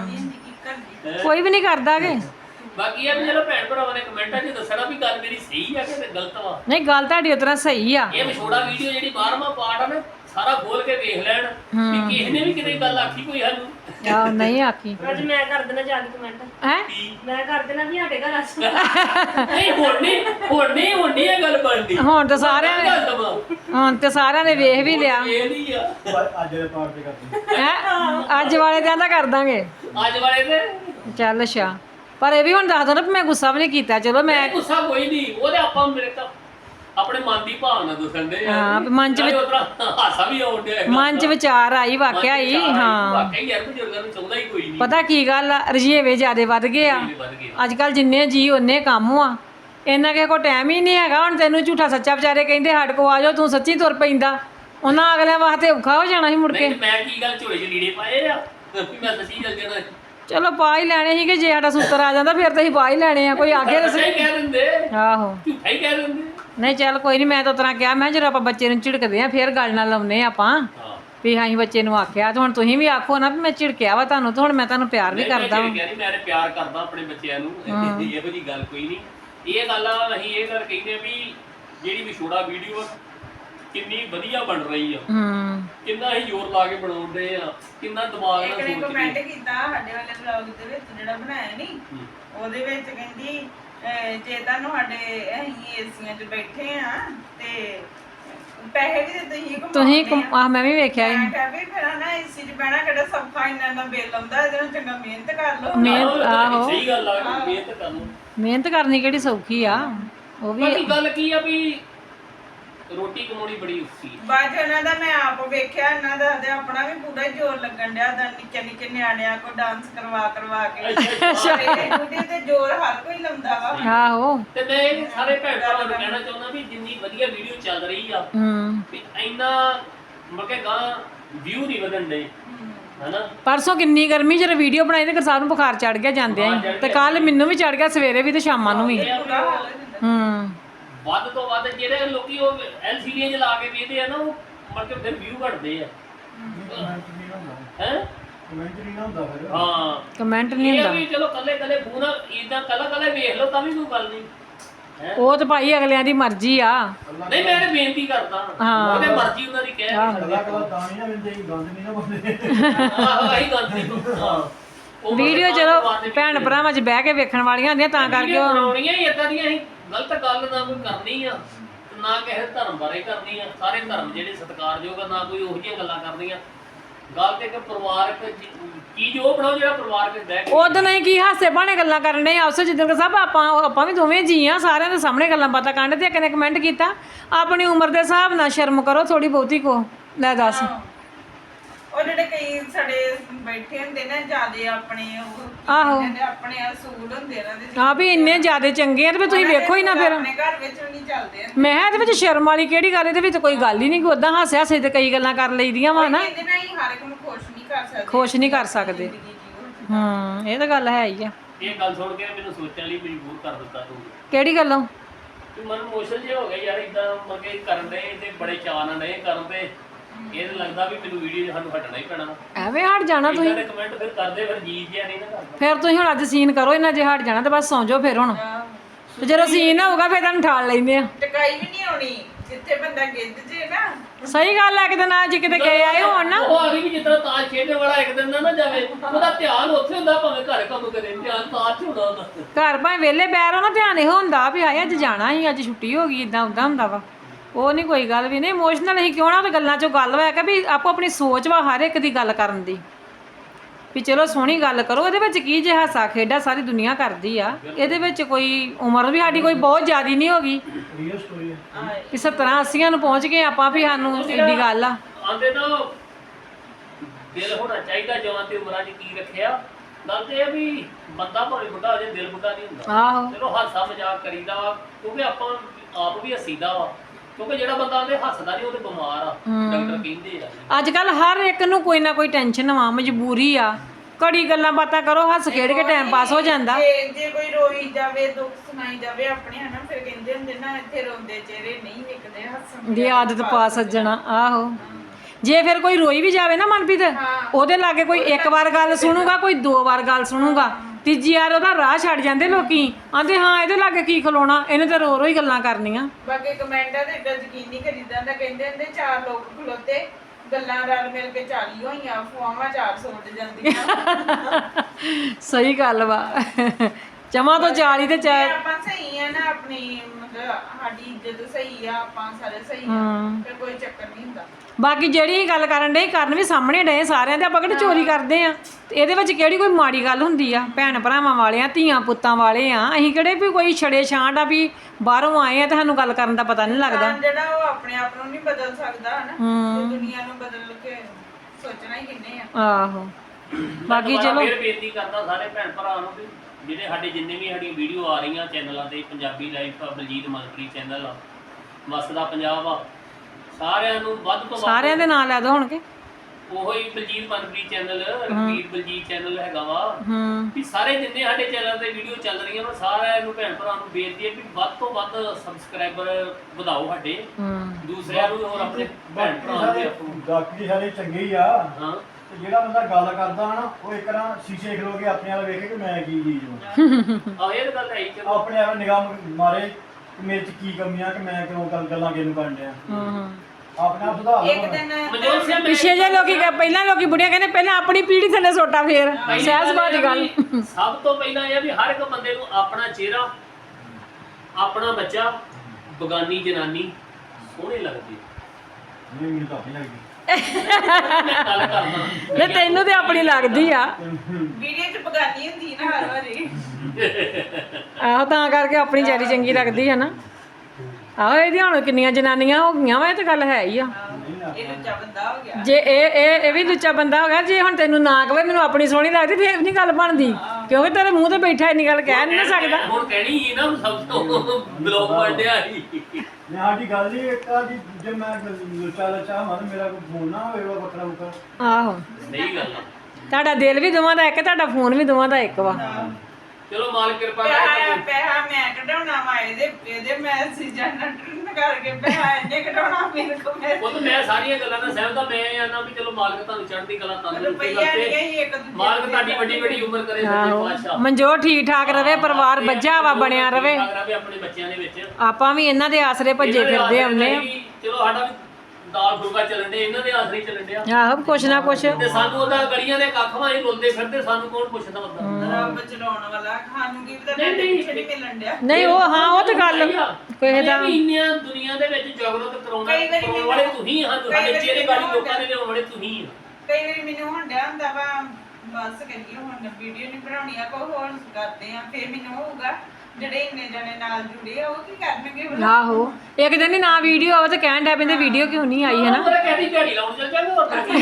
Speaker 1: ਕੋਈ
Speaker 3: ਕੋਈ ਵੀ ਨਹੀਂ ਕਰਦਾਗੇ
Speaker 1: ਬਾਕੀ ਇਹ ਵੀ ਚਲੋ ਭੈਣ ਭਰਾਵਾਂ ਨੇ ਕਮੈਂਟਾਂ 'ਚ ਦੱਸਣਾ ਵੀ ਗੱਲ ਮੇਰੀ ਸਹੀ ਆ ਕਿ ਗਲਤ ਵਾ
Speaker 3: ਨਹੀਂ ਗੱਲ ਤੁਹਾਡੀ ਉਤਰਾ ਸਹੀ ਆ
Speaker 1: ਇਹ ਵਿਛੋੜਾ ਵੀਡੀਓ ਜਿਹੜੀ ਬਾਰਵਾਂ ਪਾਰਟ ਆ ਨਾ ਸਾਰਾ ਖੋਲ ਕੇ ਵੇਖ ਲੈਣ ਵੀ ਕਿਸੇ ਨੇ ਵੀ ਕਿਤੇ ਗੱਲ ਆਖੀ ਕੋਈ ਸਾਨੂੰ
Speaker 3: ਆਹ ਨਹੀਂ ਆਖੀ
Speaker 4: ਅੱਜ ਮੈਂ ਕਰ ਦੇਣਾ ਜਾ ਕੇ ਕਮੈਂਟ
Speaker 3: ਹੈ
Speaker 4: ਮੈਂ ਕਰ ਦੇਣਾ ਵੀ ਸਾਡੇ ਘਰ ਆਸ
Speaker 1: ਨਹੀਂ ਹੁਣ ਨਹੀਂ ਹੁਣ ਨਹੀਂ ਹੁਣ ਨਹੀਂ ਇਹ ਗੱਲ ਬਣਦੀ
Speaker 3: ਹੁਣ ਤਾਂ ਸਾਰਿਆਂ ਨੇ
Speaker 1: ਗੱਲ ਸਮਾਂ
Speaker 3: ਹੁਣ ਤੇ ਸਾਰਿਆਂ ਨੇ ਵੇਖ ਵੀ ਲਿਆ
Speaker 1: ਇਹ ਨਹੀਂ ਆ
Speaker 5: ਅੱਜ ਦੇ ਤੌਰ ਤੇ ਕਰਦੇ
Speaker 3: ਹੈ ਅੱਜ ਵਾਲੇ ਦਿਨ ਦਾ ਕਰ ਦਾਂਗੇ
Speaker 1: ਅੱਜ ਵਾਲੇ ਤੇ
Speaker 3: ਚੱਲ ਅੱਛਾ ਪਰ ਇਹ ਵੀ ਹੁਣ ਦੱਸ ਦੋ ਨਾ ਵੀ ਮੈਂ ਗੁੱਸਾ ਵੀ ਨਹੀਂ ਕੀਤਾ ਚਲੋ ਮੈਂ
Speaker 1: ਗੁੱਸਾ ਕੋਈ ਨਹੀਂ ਉਹਦੇ ਆਪਾਂ ਮੇਰੇ ਤਾਂ ਆਪਣੇ ਮਨ ਦੀ ਭਾਵਨਾ ਦੱਸਣ ਦੇ
Speaker 3: ਹਾਂ, ਵੀ ਮਨ 'ਚ ਵੀ-
Speaker 1: ਹਾਸਾ ਵੀ ਆਉਣ ਡਿਆ
Speaker 3: ਮਨ 'ਚ ਵਿਚਾਰ ਆਈ ਵਾਕਿਆ ਹੀ ਹਾਂ
Speaker 1: ਵਾਕਿਆ ਹੀ ਯਾਰ ਬਜ਼ੁਰਗਾਂ ਨੂੰ ਚਾਹੁੰਦਾ ਹੀ ਕੋਈ ਨਹੀਂ
Speaker 3: ਪਤਾ ਕੀ ਗੱਲ ਆ ਰਜੀਵੇ ਜਿਆਦੇ ਵੱਧ ਗਏ ਆ
Speaker 1: ਵੱਧ ਗਿਆ
Speaker 3: ਅੱਜ ਕੱਲ ਜਿੰਨੇ ਜੀ ਉਹਨੇ ਕੰਮ ਆ ਇਹਨਾਂ ਕਿਸੇ ਕੋ ਟਾਈਮ ਹੀ ਨਹੀਂ ਹੈਗਾ ਹੁਣ ਤੈਨੂੰ ਝੂਠਾ ਸੱਚਾ ਵਿਚਾਰੇ ਕਹਿੰਦੇ ਸਾਡੇ ਕੋ ਆ ਜਾਓ ਤੂੰ ਸੱਚੀ ਤੁਰ ਪੈਂਦਾ ਉਹਨਾਂ ਅਗਲਿਆਂ ਵਾਸਤੇ ਔਖਾ ਹੋ ਜਾਣਾ ਸੀ ਮੁੜ ਕੇ
Speaker 1: ਨਹੀਂ ਮੈਂ ਕੀ ਗੱਲ ਝੋਲੇ 'ਚ ਲੀੜੇ ਪਾਏ ਆ ਵੀ ਮੈਂ ਸੱਚੀ ਗੱਲ ਕਹਿਣਾ
Speaker 3: ਚਲੋ ਪਾ ਹੀ ਲੈਣੇ ਸੀ ਕਿ ਜੇ ਸਾਡਾ ਸੂਤਰ ਆ ਜਾਂਦਾ ਫਿਰ ਤਾਂ ਅਸੀਂ ਪਾ ਹੀ ਲੈਣੇ ਆ ਕੋਈ ਆਖੇ ਤਾਂ
Speaker 1: ਸਹੀ
Speaker 3: ਸਹੀ।
Speaker 1: ਕਹਿ ਦਿੰਦੇ
Speaker 3: ਆਹੋ
Speaker 1: ਝੂਠਾ ਹੀ ਕਹਿ ਦਿੰਦੇ
Speaker 3: ਨਹੀਂ ਚੱਲ ਕੋਈ ਨਹੀਂ ਮੈਂ ਤਾਂ ਉਤਰਾ ਕਿਹਾ ਮੈਂ ਕਿਹਾ ਜਦੋਂ ਆਪਾਂ ਬੱਚੇ ਨੂੰ ਝਿੜਕਦੇ ਆ ਫਿਰ ਗੱਲ ਨਾਲ ਲਾਉਨੇ ਆ ਆਪਾਂ
Speaker 1: ਹਾਂ
Speaker 3: ਵੀ ਅਸੀਂ ਬੱਚੇ ਨੂੰ ਆਖਿਆ ਤੇ ਹੁਣ ਤੁਸੀਂ ਵੀ ਆਖੋ ਨਾ ਵੀ ਮੈਂ ਝਿੜਕਿਆ ਵਾ ਤੁਹਾਨੂੰ ਤੇ ਹੁਣ ਮੈਂ ਤੁਹਾਨੂੰ ਪਿਆਰ ਵੀ ਕਰਦਾ ਵਾਂ
Speaker 1: ਮੈਂ ਮੈਂ ਪਿਆਰ ਕਰਦਾ ਆਪਣੇ ਬੱਚਿਆਂ ਨੂੰ ਇਹੋ ਜੀ ਗੱਲ ਕੋਈ ਨਹੀਂ ਇਹ ਗੱਲ ਆ ਅਸੀਂ ਇਹ ਗੱਲ ਕਹਿੰਦੇ ਆ ਵੀ ਜਿਹੜੀ ਵਿਛੋੜਾ ਵੀਡੀਓ ਕਿੰਨੀ ਵਧੀਆ ਬਣ ਰਹੀ ਆ
Speaker 3: ਹੂੰ
Speaker 1: ਕਿੰਨਾ ਅਸੀਂ ਜ਼ੋਰ ਲਾ ਕੇ ਬਣਾਉਂਦੇ ਆ ਕਿੰਨਾ ਦਿਮਾਗ ਨਾਲ
Speaker 6: ਇੱਕ ਨੇ ਕਮੈਂਟ
Speaker 1: ਸੋਚਦੇ
Speaker 6: ਕੀਤਾ ਸਾਡੇ ਵਾਲੇ ਵਲੌਗ ਦੇ ਵਿੱਚ ਜਿਹੜਾ ਬਣਾਇਆ ਨਹੀਂ ਉਹਦੇ ਵਿੱਚ ਕਹਿੰਦੀ ਅਹ, ਜੇ ਤੁਹਾਨੂੰ ਸਾਡੇ ਅਸੀਂ ਏਸੀਆਂ 'ਚ ਬੈਠੇ ਆ ਤੇ ਪੈਸੇ ਵੀ ਤੇ ਤੁਸੀਂ
Speaker 3: ਤੁਸੀਂ
Speaker 6: ਕਮਾਉਂਦੇ
Speaker 3: ਕਮ- ਆਹ ਮੈਂ ਵੀ ਵੇਖਿਆ
Speaker 6: ਮੈਂ
Speaker 3: ਸੀ
Speaker 6: ਕਿਹਾ ਵੀ ਫਿਰ ਨਾ ਏਸੀ 'ਚ ਬਹਿਣਾ ਕਿਹੜਾ ਸੌਖਾ ਇੰਨਾ ਇੰਨਾ ਬਿੱਲ ਆਉਂਦਾ ਇਹਦੇ ਨਾਲ ਚੰਗਾ ਮਿਹਨਤ ਕਰ ਲਓ
Speaker 3: ਮਿਹਨਤ ਆਹੋ
Speaker 1: ਸਹੀ ਗੱਲ ਆ ਕਿ ਮਿਹਨਤ ਕਰਨ
Speaker 3: ਮਿਹਨਤ ਕਰਨੀ ਕਿਹੜੀ ਸੌਖੀ ਆ ਉਹ ਵੀ
Speaker 1: ਬਾਕੀ ਗੱਲ ਕੀ ਆ ਵੀ ਰੋਟੀ ਕਮਾਉਣੀ ਬੜੀ ਔਖੀ ਆ
Speaker 6: ਬਾਅਦ 'ਚ ਇਹਨਾਂ ਦਾ ਮੈਂ ਆਪ ਵੇਖਿਆ ਇਹਨਾਂ ਦਾ ਤੇ ਆਪਣਾ ਵੀ ਪੂਰਾ ਹੀ ਜ਼ੋਰ ਲੱਗਣ ਡਿਆ ਦਾ ਨਿੱਕੇ ਨਿੱਕੇ ਨਿਆਣਿਆਂ ਕੋ ਡਾਂਸ ਕਰਵਾ ਕਰਵਾ ਕੇ YouTube ਤੇ ਜ਼ੋਰ ਹਰ ਕੋਈ ਲਾਉਂਦਾ ਵਾ
Speaker 3: ਆਹੋ
Speaker 1: ਤੇ ਮੈਂ ਇਹ ਸਾਰੇ ਭੈਣ ਭਰਾਵਾਂ ਨੂੰ ਕਹਿਣਾ ਚਾਹੁੰਦਾ ਵੀ ਜਿੰਨੀ ਵਧੀਆ ਵੀਡੀਓ ਚੱਲ ਰਹੀ ਆ
Speaker 3: ਹੂੰ
Speaker 1: ਵੀ ਇੰਨਾ ਮੱਕੇ ਗਾਂ ਵਿਊ ਨਹੀਂ ਵਧਣ ਦੇ ਹਨਾ
Speaker 3: ਪਰਸੋਂ ਕਿੰਨੀ ਗਰਮੀ ਜਦੋਂ ਵੀਡੀਓ ਬਣਾਈ ਤੇ ਕਿਸਾਨ ਨੂੰ ਬੁਖਾਰ ਚੜ ਗਿਆ ਜਾਂਦੇ ਆਂ ਤੇ ਕੱਲ ਮੈਨੂੰ ਵੀ ਚੜ ਗਿਆ ਸਵੇਰੇ ਵੀ ਤੇ ਸ਼ਾਮਾਂ ਨੂੰ ਵੀ
Speaker 1: ਇਹ ਆ ਵੀ ਉਹ
Speaker 3: ਹੂੰ
Speaker 1: ਵੱਧ ਤੋਂ ਵੱਧ ਜਿਹੜੇ ਲੋਕੀ ਉਹ ਐਲ ਸੀ ਡੀ 'ਚ ਲਾ ਕੇ ਵੇਖਦੇ ਆ ਨਾ ਉਹ ਮਤਲਬ ਫਿਰ ਵਿਊ ਘਟਦੇ ਆ ਹੈ
Speaker 5: ਕਮੈਂਟ ਨਹੀਂ ਨਾ ਹੁੰਦਾ ਫਿਰ
Speaker 1: ਹਾਂ
Speaker 3: ਕਮੈਂਟ ਨਹੀਂ
Speaker 1: ਇਹ
Speaker 3: ਹੁੰਦਾ
Speaker 1: ਵੀ ਚਲੋ ਕੱਲੇ ਕੱਲੇ ਫੋਨ ਇਦਾਂ ਕੱਲਾ ਕੱਲਾ ਵੇਖ ਲਓ ਤਾਂ ਵੀ ਕੋਈ ਗੱਲ ਨਹੀਂ ਹੈ
Speaker 3: ਉਹ ਤਾਂ ਭਾਈ ਅਗਲਿਆਂ ਦੀ ਮਰਜ਼ੀ ਆ
Speaker 1: ਨਹੀਂ ਮੈਂ ਤਾਂ ਬੇਨਤੀ ਕਰਦਾ
Speaker 3: ਹਾਂ।
Speaker 1: ਉਹਦੇ ਮਰਜ਼ੀ ਉਹਨਾਂ ਦੀ ਕਹਿ ਨਹੀਂ ਸਕਦੇ
Speaker 5: ਅਗਲਾ ਕਲਾ ਤਾਂ ਨਹੀਂ ਨਾ ਮਿਲਦੇ ਗੰਦ ਨਹੀਂ ਨਾ ਬੰਦੇ
Speaker 1: ਆਹੋ ਆਹੀ ਗੱਲ ਨਹੀਂ ਹਾਂ ਉਹ
Speaker 3: ਵੀਡੀਓ
Speaker 1: ਮਤਲਬ
Speaker 3: ਚਲੋ
Speaker 1: ਬਾਅਦ ਦੇ
Speaker 3: ਭੈਣ ਭਰਾਵਾਂ 'ਚ ਬਹਿ ਕੇ ਵੇਖਣ ਵਾਲੀਆਂ ਹੁੰਦੀਆਂ ਤਾਂ ਕਰਕੇ
Speaker 1: ਵੀਡੀਓ
Speaker 3: ਉਹ
Speaker 1: ਬਣਾਉਣੀਆਂ ਹੀ ਇਦਾਂ ਦੀਆਂ ਅਸੀਂ ਗਲਤ ਗੱਲ ਨਾ ਕੋਈ ਕਰਨੀ ਆ ਨਾ ਕਿਸੇ ਧਰਮ ਬਾਰੇ ਕਰਨੀ ਆ ਸਾਰੇ ਧਰਮ ਜਿਹੜੇ ਸਤਿਕਾਰਯੋਗ ਆ ਨਾ ਕੋਈ ਉਹੋ ਜਿਹੀਆਂ ਗੱਲਾਂ ਕਰਨੀਆਂ ਗੱਲ ਤੇ ਕਿ ਪਰਿਵਾਰਕ ਚੀਜ਼ ਉਹ ਬਣਾਓ ਜਿਹੜਾ ਪਰਿਵਾਰਕ ਬਹਿ ਕੇ
Speaker 3: ਉਦੋਂ ਨਹੀਂ ਕੀ ਹਾਸੇ ਬਾਣੇ ਗੱਲਾਂ ਕਰਨ ਦੇ ਆਪਸ ਜਿੱਦਣ ਕਿ ਸਭ ਆਪਾਂ ਆਪਾਂ ਵੀ ਦੋਵੇਂ ਜੀ ਆ ਸਾਰਿਆਂ ਦੇ ਸਾਹਮਣੇ ਗੱਲਾਂ ਬਾਤਾਂ ਕਰਨ ਤੇ ਕਿਨੇ ਕਮੈਂਟ ਕੀਤਾ ਆਪਣੀ ਉਮਰ ਦੇ ਹਿਸਾਬ ਨਾਲ ਸ਼ਰਮ ਕਰੋ ਥੋੜੀ ਬਹੁਤੀ ਕੋ ਲੈ ਦੱਸ
Speaker 6: ਉਹ ਜਿਹੜੇ ਕਈ ਸਾਡੇ ਬੈਠੇ ਹੁੰਦੇ ਨਾ ਜਿਆਦੇ ਆਪਣੇ ਉਹ
Speaker 3: ਆਹੋ।
Speaker 6: ਕਹਿੰਦੇ ਆਪਣੇ ਅਸੂਲ ਹੁੰਦੇ ਇਹਨਾਂ ਦੇ
Speaker 3: ਆ ਵੀ ਇੰਨੇ ਜ਼ਿਆਦੇ ਚੰਗੇ ਆ ਤੇ ਫਿਰ ਤੁਸੀਂ ਵੇਖੋ ਹੀ ਨਾ ਫਿਰ
Speaker 6: ਆਪਣੇ ਘਰ ਵਿੱਚ ਵੀ ਨਹੀਂ ਚੱਲਦੇ
Speaker 3: ਮੈਂ ਕਿਹਾ ਇਹਦੇ ਵਿੱਚ ਸ਼ਰਮ ਵਾਲੀ ਕਿਹੜੀ ਗੱਲ ਇਹਦੇ ਵਿੱਚ ਕੋਈ ਗੱਲ ਹੀ ਨਹੀਂ ਕਿ ਉਦਾਂ ਹਾਸੇ ਹਾਸੇ ਤੇ ਕਈ ਗੱਲਾਂ ਕਰ ਲਈਦੀਆਂ ਵਾ ਨਾ
Speaker 6: ਇਹਦੇ ਨਾਲ ਹੀ ਹਰ ਇੱਕ ਨੂੰ ਖੁਸ਼ ਨਹੀਂ ਕਰ ਸਕਦੇ
Speaker 3: ਖੁਸ਼ ਨਹੀਂ ਕਰ ਸਕਦੇ
Speaker 6: ਜ਼ਿੰਦਗੀ ਜੀਓ।
Speaker 3: ਹੂੰ ਇਹ ਤਾਂ ਗੱਲ ਹੈ ਹੀ ਆ
Speaker 1: ਇਹ ਗੱਲ ਸੁਣ ਕੇ ਮੈਨੂੰ ਸੋਚਣ ਲਈ ਮਜਬੂਰ ਕਰ ਦਿੱਤਾ ਤੂੰ
Speaker 3: ਕਿਹੜੀ ਗੱਲੋਂ
Speaker 1: ਕਿ ਮਨ ਇਮੋਸ਼ਨਲ ਜਿਹਾ ਹੋ ਗਿਆ ਯਾਰ ਇਦਾਂ ਮਗੇ ਕਰਨ ਦੇ ਤੇ ਬੜੇ ਚਾਅ ਨਾਲ ਨਹੀਂ ਕਰਨ ਤੇ ਇਹ ਤਾਂ ਲੱਗਦਾ ਵੀ ਮੈਨੂੰ ਵੀਡੀਓ ਸਾਨੂੰ ਹਟਣਾ ਹੀ ਪੈਣਾ
Speaker 3: ਐਵੇਂ ਹਟ ਜਾਣਾ ਤੁਸੀਂ
Speaker 1: ਇਹਨਾਂ ਦੇ ਕਮੈਂਟ ਫਿਰ ਕਰਦੇ ਫਿਰ ਜੀ ਜਿਆ ਨਹੀਂ ਨਾ ਕਰਦਾ
Speaker 3: ਫਿਰ ਤੁਸੀਂ ਹੁਣ ਅੱਜ ਸੀਨ ਕਰੋ ਇਹਨਾਂ ਜੇ ਹਟ ਜਾਣਾ ਤੇ ਬਸ ਸੌਂ ਜਾਓ ਫਿਰ ਹੁਣ ਤੇ ਜਦੋਂ ਸੀਨ ਹੋਊਗਾ ਫਿਰ ਤੁਹਾਨੂੰ ਠਾਲ ਲੈਂਦੇ ਆ
Speaker 6: ਟਕਾਈ ਵੀ ਨਹੀਂ ਆਉਣੀ ਜਿੱਥੇ ਬੰਦਾ ਗਿੱਧ ਜੇ ਨਾ
Speaker 3: ਸਹੀ ਗੱਲ ਹੈ ਕਿਤੇ ਨਾ ਜੇ ਕਿਤੇ ਗਏ ਆਏ ਹੋਣ ਨਾ
Speaker 1: ਉਹ ਆ ਗਈ ਵੀ ਜਿੱਦਾਂ ਤਾਸ਼ ਖੇਡਣ ਵਾਲਾ ਇੱਕ ਦਿਨ ਨਾ ਨਾ ਜਾਵੇ ਉਹਦਾ ਧਿਆਨ ਉੱਥੇ ਹੁੰਦਾ ਭਾਵੇਂ ਘਰ ਕੰਮ ਕਰੇ ਧਿਆਨ ਤਾਸ਼ 'ਚ ਹੁੰਦਾ ਉਹਦਾ
Speaker 3: ਘਰ ਭਾਵੇਂ ਵਿਹਲੇ ਬੈਠ ਨਾ ਧਿਆਨ ਇਹੋ ਹੁੰਦਾ ਵੀ ਹਾਏ ਅੱਜ ਜਾਣਾ ਹੀ ਅੱਜ ਛੁੱਟੀ ਹੋ ਗਈ ਇਦਾਂ ਉਦਾਂ ਹੁੰਦਾ ਵਾ ਉਹ ਨਹੀਂ ਕੋਈ ਗੱਲ ਵੀ ਨਹੀਂ ਇਮੋਸ਼ਨਲ ਹੀ ਕਿਉਂ ਨਾ ਉਹ ਗੱਲਾਂ 'ਚੋਂ ਗੱਲ ਹੋਇਆ ਕਿ ਵੀ ਆਪੋ ਆਪਣੀ ਸੋਚ ਵਾ ਹਰ ਇੱਕ ਦੀ ਗੱਲ ਕਰਨ ਦੀ ਵੀ ਚਲੋ ਸੋਹਣੀ ਗੱਲ ਕਰੋ ਇਹਦੇ ਵਿੱਚ ਕੀ ਜੇ ਹਾਸਾ ਖੇਡਾ ਸਾਰੀ ਦੁਨੀਆ ਕਰਦੀ ਆ ਇਹਦੇ ਵਿੱਚ ਕੋਈ ਉਮਰ ਵੀ ਸਾਡੀ ਕੋਈ ਬਹੁਤ ਜ਼ਿਆਦੀ ਨਹੀਂ ਹੋ ਗਈ
Speaker 5: ਰੀਅਲ ਸਟੋਰੀ ਹੈ
Speaker 3: ਵੀ ਸੱਤਰਾਂ ਅੱਸੀਆਂ ਨੂੰ ਪਹੁੰਚ ਗਏ ਆਪਾਂ ਵੀ ਸਾਨੂੰ ਏਡੀ ਗੱਲ ਆ
Speaker 1: ਆਂਦੇ ਨਾ ਦਿਲ ਹੋਣਾ ਚਾਹੀਦਾ ਜਵਾਨ ਤੇ ਉਮਰਾਂ 'ਚ ਕੀ ਰੱਖਿਆ ਗੱਲ ਤੇ ਇਹ ਵੀ ਬੰਦਾ ਭਾਵੇਂ ਬੁੱਢਾ ਹੋ ਜਾਏ ਦਿਲ ਬੁੱਢਾ ਨਹੀਂ ਹੁੰਦਾ
Speaker 3: ਆਹੋ
Speaker 1: ਚਲੋ ਹਾਸਾ ਮਜ਼ਾਕ ਕਰੀਦਾ ਵਾ ਕਿਉਂਕਿ ਆਪਾਂ ਆਪ ਵੀ ਹੱਸੀਦਾ ਵਾ ਕਿਉਂਕਿ ਜਿਹੜਾ ਬੰਦਾ ਉਹਦੇ ਹੱਸਦਾ ਨਹੀਂ ਉਹ ਤੇ ਬਿਮਾਰ ਆ ਡਾਕਟਰ ਕਹਿੰਦੇ ਆ
Speaker 3: ਅੱਜ ਕੱਲ ਹਰ ਇੱਕ ਨੂੰ ਕੋਈ ਨਾ ਕੋਈ ਟੈਨਸ਼ਨ ਵਾ ਮਜਬੂਰੀ ਆ ਘੜੀ ਗੱਲਾਂ ਬਾਤਾਂ ਕਰੋ ਹੱਸ ਖੇਡ ਕੇ ਟਾਈਮ ਪਾਸ ਹੋ ਜਾਂਦਾ
Speaker 6: ਜੇ ਜੇ ਕੋਈ ਰੋਈ ਜਾਵੇ ਦੁੱਖ ਸੁਣਾਈ ਜਾਵੇ ਆਪਣੇ ਹਨਾ ਫਿਰ ਕਹਿੰਦੇ ਹੁੰਦੇ ਨਾ ਇੱਥੇ ਰੋਂਦੇ ਚਿਹਰੇ ਨਹੀਂ ਵਿਕਦੇ ਹੱਸਣ
Speaker 3: ਦੀ ਆਦਤ ਪਾ ਸੱਜਣਾ ਆਹੋ ਜੇ ਫਿਰ ਕੋਈ ਰੋਈ ਵੀ ਜਾਵੇ ਨਾ ਮਨਪ੍ਰੀਤ ਉਹਦੇ ਲਾਗੇ ਕੋਈ ਇੱਕ ਵਾਰ ਗੱਲ ਸੁਣੂਗਾ ਕੋਈ ਦੋ ਵਾਰ ਗੱਲ ਸੁਣੂਗਾ ਤੀਜੀ ਵਾਰ ਉਹਦਾ ਰਾਹ ਛੱਡ ਜਾਂਦੇ ਲੋਕੀ ਆਂਦੇ ਹਾਂ ਇਹਦੇ ਲਾਗੇ ਕੀ ਖਲੋਣਾ ਇਹਨੇ ਤਾਂ ਰੋ ਰੋ ਹੀ ਗੱਲਾਂ ਕਰਨੀਆਂ
Speaker 6: ਬਾਕੀ ਕਮੈਂਟਾਂ ਤੇ ਏਦਾਂ ਯਕੀਨ ਨਹੀਂ ਕਰੀਦਾ ਹੁੰਦਾ ਕਹਿੰਦੇ ਹੁੰਦੇ ਚਾਰ ਲੋਕ ਖਲੋਤੇ ਗੱਲਾਂ ਰਲ ਮਿਲ ਕੇ ਚਾਲੀ ਹੋਈਆਂ ਫੁਆਵਾਂ ਚਾਰ ਸੌ ਉੱਡ ਜਾਂਦੀਆਂ
Speaker 3: ਸਹੀ ਗੱਲ ਵਾ ਜਮਾ ਤੋਂ ਚਾਲੀ ਤੇ
Speaker 6: ਜੇ
Speaker 3: ਚਾ
Speaker 6: ਆਪਾਂ ਸਹੀ ਆ ਨਾ ਆਪਣੀ ਮਤਲਬ ਸਾਡੀ ਇੱਜ਼ਤ ਸਹੀ ਆ ਆਪਾਂ ਸਾਰੇ ਸਹੀ ਆ ਫਿਰ ਕੋਈ ਚੱਕਰ ਨਹੀਂ ਹੁੰਦਾ
Speaker 3: ਬਾਕੀ ਜਿਹੜੀ ਅਸੀਂ ਗੱਲ ਕਰਨ ਡਏ ਕਰਨ ਵੀ ਸਾਹਮਣੇ ਡਏ ਸਾਰਿਆਂ ਦੇ ਆਪਾਂ ਕਿਹੜੇ ਚੋਰੀ ਕਰਦੇ ਆ ਤੇ ਇਹਦੇ ਵਿੱਚ ਕਿਹੜੀ ਕੋਈ ਮਾੜੀ ਗੱਲ ਹੁੰਦੀ ਆ ਭੈਣ ਭਰਾਵਾਂ ਵਾਲੇ ਆ ਧੀਆਂ ਪੁੱਤਾਂ ਵਾਲੇ ਆ ਅਸੀਂ ਕਿਹੜੇ ਵੀ ਕੋਈ ਛੜੇ ਛਾਂਟ ਆ ਵੀ ਬਾਹਰੋਂ ਆਏ ਆ ਤੇ ਸਾਨੂੰ ਗੱਲ ਕਰਨ ਦਾ ਪਤਾ ਨਹੀਂ ਲੱਗਦਾ
Speaker 6: ਇਨਸਾਨ ਜਿਹੜਾ ਉਹ ਆਪਣੇ ਆਪ ਨੂੰ ਨਹੀਂ ਬਦਲ ਸਕਦਾ ਹਨਾ ਤੇ ਦੁਨੀਆ ਨੂੰ ਬਦਲ ਕੇ ਸੋਚਣਾ ਹੀ ਕਿੰਨੇ ਆ
Speaker 3: ਆਹੋ ਬਾਕੀ
Speaker 1: ਦੁਬਾਰਾ
Speaker 3: ਚਲੋ
Speaker 1: ਫਿਰ ਬੇਨਤੀ ਕਰਦਾ ਸਾਰੇ ਭੈਣ ਭਰਾ ਨੂੰ ਵੀ ਜਿਹੜੇ ਸਾਡੇ ਜਿੰਨੇ ਵੀ ਸਾਡੀਆਂ ਵੀਡੀਓ ਆ ਰਹੀਆਂ ਚੈਨਲਾਂ ਤੇ ਪੰਜਾਬੀ ਲਾਈਫ ਬਲਜੀਤ ਮਨਪ੍ਰੀਤ ਚੈਨਲ ਆ ਵਸਦਾ ਪੰਜਾਬ ਆ ਸਾਰਿਆਂ ਨੂੰ ਵੱਧ ਤੋਂ ਵੱਧ
Speaker 3: ਸਾਰਿਆਂ ਦੇ ਨਾਂ ਲੈ ਦੋ ਹੁਣ ਕੇ
Speaker 1: ਉਹੋ ਹੀ ਬਲਜੀਤ ਮਨਪ੍ਰੀਤ ਚੈਨਲ ਰਣਵੀਰ ਬਲਜੀਤ ਚੈਨਲ ਹੈਗਾ ਵਾ
Speaker 3: ਹੂੰ
Speaker 1: ਵੀ ਸਾਰੇ ਜਿੰਨੇ ਸਾਡੇ ਚੈਨਲ ਤੇ ਵੀਡੀਓ ਚੱਲ ਰਹੀਆਂ ਵਾ ਸਾਰਿਆਂ ਨੂੰ ਭੈਣ ਭਰਾ ਨੂੰ ਬੇਨਤੀ ਹੈ ਵੀ ਵੱਧ ਤੋਂ ਵੱਧ ਸਬਸਕ੍ਰਾਈਬਰ ਵਧਾਓ ਸਾਡੇ
Speaker 3: ਹੂੰ
Speaker 1: ਦੂਸਰਿਆਂ ਨੂੰ ਹੋਰ ਆਪਣੇ ਭੈਣ ਭਰਾ ਦੇ
Speaker 5: ਡਾਕਟਰੀ ਸਾਰੇ ਚੰਗੇ ਹੀ ਆ
Speaker 1: ਹਾਂ
Speaker 5: ਤੇ ਜਿਹੜਾ ਬੰਦਾ ਗੱਲ ਕਰਦਾ ਹਨਾ ਉਹ ਇੱਕ ਨਾ ਸ਼ੀਸ਼ੇ ਖਲੋ ਕੇ ਆਪਣੇ ਵੱਲ ਵੇਖੇ ਕਿ ਮੈਂ ਕੀ ਚੀਜ਼ ਹਾਂ
Speaker 1: ਆਹ ਇਹ ਤਾਂ ਗੱਲ ਹੈ ਹੀ ਚਲੋ
Speaker 5: ਆਪਣੇ ਆਪ ਨਿਗਾਹ ਮਾਰੇ ਕਿ ਮੇਰੇ ਚ ਕੀ ਕਮੀਆਂ ਕਿ ਮੈਂ ਕਿਉਂ ਗੱਲ ਗੱਲਾਂ ਕਿਹਨੂੰ ਕਰਨ ਡਿਆ
Speaker 3: ਹੂੰ
Speaker 5: ਆਪਣੇ ਆਪ ਸੁਧਾਰ
Speaker 6: ਇੱਕ
Speaker 5: ਲਓ
Speaker 6: ਦਿਨ
Speaker 1: ਮਨਜੋਤ ਸਿੰਘ
Speaker 3: ਪਿੱਛੇ ਜੇ ਲੋਕੀ ਕਹਿ- ਪਹਿਲਾਂ ਲੋਕੀ ਬੁੜੀਆਂ ਕਹਿੰਦੇ ਪਹਿਲਾਂ ਆਪਣੀ ਪੀੜੀ ਥੱਲੇ ਸੋਟਾ ਫੇਰ
Speaker 1: ਪਹਿਲੀ
Speaker 3: ਸਹਿਜ
Speaker 1: ਗੱਲ
Speaker 3: ਬਾਤ
Speaker 1: ਇਹ
Speaker 3: ਗੱਲ
Speaker 1: ਵੀ ਸਭ ਤੋਂ ਪਹਿਲਾਂ ਇਹ ਆ ਵੀ ਹਰ ਇੱਕ ਬੰਦੇ ਨੂੰ ਆਪਣਾ ਚਿਹਰਾ ਆਪਣਾ ਬੱਚਾ ਬਗਾਨੀ ਜਨਾਨੀ ਸੋਹਣੇ ਲੱਗਦੇ
Speaker 5: ਨਹੀਂ ਮੈਨੂੰ ਤਾਂ ਨਹੀਂ ਲੱਗਦੀ
Speaker 1: ਮੈਂ ਗੱਲ ਕਰਦਾ
Speaker 3: ਤੇ ਤੈਨੂੰ ਤੇ ਆਪਣੀ ਲੱਗਦੀ ਆ
Speaker 6: ਵੀਡੀਓ ਚ ਬਗਾਨੀ ਹੁੰਦੀ ਨਾ ਹਰ ਵਾਰੀ
Speaker 3: ਆਹੋ ਤਾਂ ਕਰਕੇ ਆਪਣੀ ਜਾਰੀ ਚੰਗੀ ਲੱਗਦੀ ਆ ਨਾ ਆਹੋ ਇਹਦੀ ਹੁਣ ਕਿੰਨੀਆਂ ਜਨਾਨੀਆਂ ਹੋ ਗਈਆਂ ਵਾ ਇਹ ਤਾਂ ਗੱਲ ਹੈ ਹੀ ਆ
Speaker 6: ਇਹ ਲੁੱਚਾ ਬੰਦਾ ਹੋ ਗਿਆ
Speaker 3: ਜੇ ਇਹ ਇਹ ਇਹ ਵੀ ਲੁੱਚਾ ਬੰਦਾ ਹੋ ਗਿਆ ਜੇ ਹੁਣ ਤੈਨੂੰ ਨਾ ਕਵੇ ਮੈਨੂੰ ਆਪਣੀ ਸੋਹਣੀ ਲੱਗਦੀ ਫੇਰ ਨਹੀਂ ਗੱਲ ਬਣਦੀ ਕਿਉਂਕਿ ਤੇਰੇ ਮੂੰਹ ਤੇ ਬੈਠਾ ਇੰਨੀ ਗੱਲ ਕਹਿ ਨਹੀਂ ਨਾ ਸਕਦਾ
Speaker 1: ਹੁਣ ਕਹਿਣੀ ਹੀ ਨਾ ਸਭ ਤੋਂ ਬਲੌਗ ਪੜਿਆ ਹੀ
Speaker 5: ਮੈਂ ਸਾਡੀ ਗੱਲ ਨਹੀਂ ਇੱਕ ਆ ਜੀ ਜੇ ਮੈਂ ਲੁੱਚਾ ਲੁੱਚਾ ਮਨ ਮੇਰਾ ਕੋਈ ਫੋਨ ਨਾ ਹੋਵੇ ਉਹ ਵੱਖਰਾ ਵੱਖਰਾ
Speaker 3: ਆਹੋ
Speaker 1: ਸਹੀ ਗੱਲ ਆ
Speaker 3: ਤੁਹਾਡਾ ਦਿਲ ਵੀ ਦੋਵਾਂ ਦਾ ਇੱਕ ਤੁਹਾਡਾ ਫੋਨ ਵੀ ਦੋਵਾਂ ਦਾ ਇੱਕ ਵਾ
Speaker 1: ਚਲੋ ਮਾਲਕ ਕਿਰਪਾ
Speaker 6: ਪੈਸਾ
Speaker 1: ਕਰੇ
Speaker 6: ਪੈਸਾ ਮੈਂ ਕਢਾਉਣਾ ਵਾ ਇਹਦੇ ਇਹਦੇ ਮੈਸੇਜ ਜਾਣਾ ਟਰਨ ਕਰਕੇ ਮੈਂ ਇੰਨੇ ਕਢਾਉਣਾ ਮੇਰੇ ਕੋ ਮੈਂ
Speaker 1: ਉਹ ਤਾਂ ਮੈਂ ਸਾਰੀਆਂ ਗੱਲਾਂ ਨਾਲ ਸਹਿਮਤ ਹਾਂ। ਮੈਂ ਆਨਾ ਵੀ ਚਲੋ ਮਾਲਕ ਤੁਹਾਨੂੰ ਚੜ੍ਹਦੀ ਕਲਾ ਤੰਦਰੁਸਤੀ
Speaker 6: ਰੁਪਈਆ ਨਹੀਂ
Speaker 1: ਕਰਕੇ
Speaker 6: ਗਈ ਇੱਕ ਦੂਜੇ
Speaker 1: ਮਾਲਕ ਤੁਹਾਡੀ ਵੱਡੀ ਵੱਡੀ ਉਮਰ ਕਰੇ ਸੱਚੇ
Speaker 3: ਆਹੋ
Speaker 1: ਪਾਤਸ਼ਾਹ।
Speaker 3: ਮਨਜੋਤ ਠੀਕ ਠਾਕ ਰਵੇ, ਪਰਿਵਾਰ ਬੱਝਾ ਵਾ ਬਣਿਆ ਰਵੇ।
Speaker 1: ਠੀਕ ਠਾਕ ਰਵੇ ਆਪਣੇ ਬੱਚਿਆਂ ਦੇ ਵਿੱਚ।
Speaker 3: ਆਪਾਂ ਵੀ ਇਹਨਾਂ ਦੇ ਆਸਰੇ ਭੱਜੇ
Speaker 1: ਇਹਨਾਂ ਦੇ
Speaker 3: ਫਿਰਦੇ
Speaker 1: ਆਸਰੇ
Speaker 3: ਆਉਂਦੇ
Speaker 1: ਨਹੀਂ, ਚਲੋ ਸਾਡਾ ਵੀ ਦਾਲ ਫੁਲਕਾ ਚੱਲਣ ਦੇ, ਇਹਨਾਂ ਦੇ ਆਸਰੇ ਹੀ ਚੱਲਣ ਡਿਆ।
Speaker 3: ਆ ਆਹੋ ਕੁਛ ਨਾ ਕੁਛ।
Speaker 1: ਤੇ ਸਾਨੂੰ ਉਹਦਾ ਗਲੀਆਂ ਦੇ ਕੱਖ ਵਾਂ ਹੀ ਰੁਲਦੇ ਫਿਰਦੇ, ਸਾਨੂੰ ਕੌਣ ਪੁੱਛਦਾ ਹੁੰਦਾ।
Speaker 6: ਰੱਬ ਚਲਾਉਣ ਵਾਲਾ ਖਾਨੂੰ ਕੀ ਪਤਾ
Speaker 1: ਨਹੀਂ, ਨਹੀਂ।
Speaker 6: ਛੜੀ ਮਿਲਣ ਡਿਆ
Speaker 3: ਨਹੀਂ ਉਹ ਹਾਂ ਉਹ ਤੇ ਗੱਲ ਕਿਸੇ ਦਾ
Speaker 1: ਵੀ ਇੰਨੀਆਂ ਦੁਨੀਆ ਦੇ ਵਿੱਚ ਜਾਗਰੂਕ ਕਰਾਉਣਾ
Speaker 6: ਕਈ ਵਾਰੀ
Speaker 1: ਕਰਾਉਣ ਵਾਲੇ ਤੁਸੀਂ ਹਾਂ,
Speaker 6: ਕਈ
Speaker 1: ਸਾਡੇ
Speaker 6: ਵਾਰੀ
Speaker 1: ਚਿਹਰੇ ਗਾੜੀ
Speaker 6: ਮੈਨੂੰ
Speaker 1: ਲੋਕਾਂ ਦੇ ਲਿਆਉਣ ਵਾਲੇ ਤੁਸੀਂ ਆ।
Speaker 6: ਕਈ ਵਾਰੀ ਮੈਨੂੰ ਹੁਣ ਡਿਆ ਹੁੰਦਾ ਵਾ ਬਸ ਕਰੀਏ ਹੁਣ ਵੀਡੀਓ ਨਹੀਂ ਬਣਾਉਣੀ ਆ ਕੋਈ ਹੋਰ ਕਰਦੇ ਆ ਫਿਰ ਮੈਨੂੰ ਹੋਊਗਾ ਜਿਹੜੇ ਇੰਨੇ ਜਣੇ ਨਾਲ ਜੁੜੇ ਆ ਉਹ ਕੀ ਕਰਨਗੇ ਭਲਾ?
Speaker 3: ਆਹੋ ਇੱਕ ਦਿਨ ਹੀ ਨਾ ਵੀਡੀਓ ਆਵੇ ਤੇ ਕਹਿਣ ਡਿਆ ਪੈਂਦੇ ਵੀਡੀਓ ਕਿਉਂ ਨਹੀਂ ਆਈ ਹੈ ਨਾ।
Speaker 1: ਉਹਦਾ ਕਹਿੰਦੀ ਝਾੜੀ ਲਾਉਣ ਚੱਲ ਜਾਂਦੇ ਹੋਰ ਤਾਂ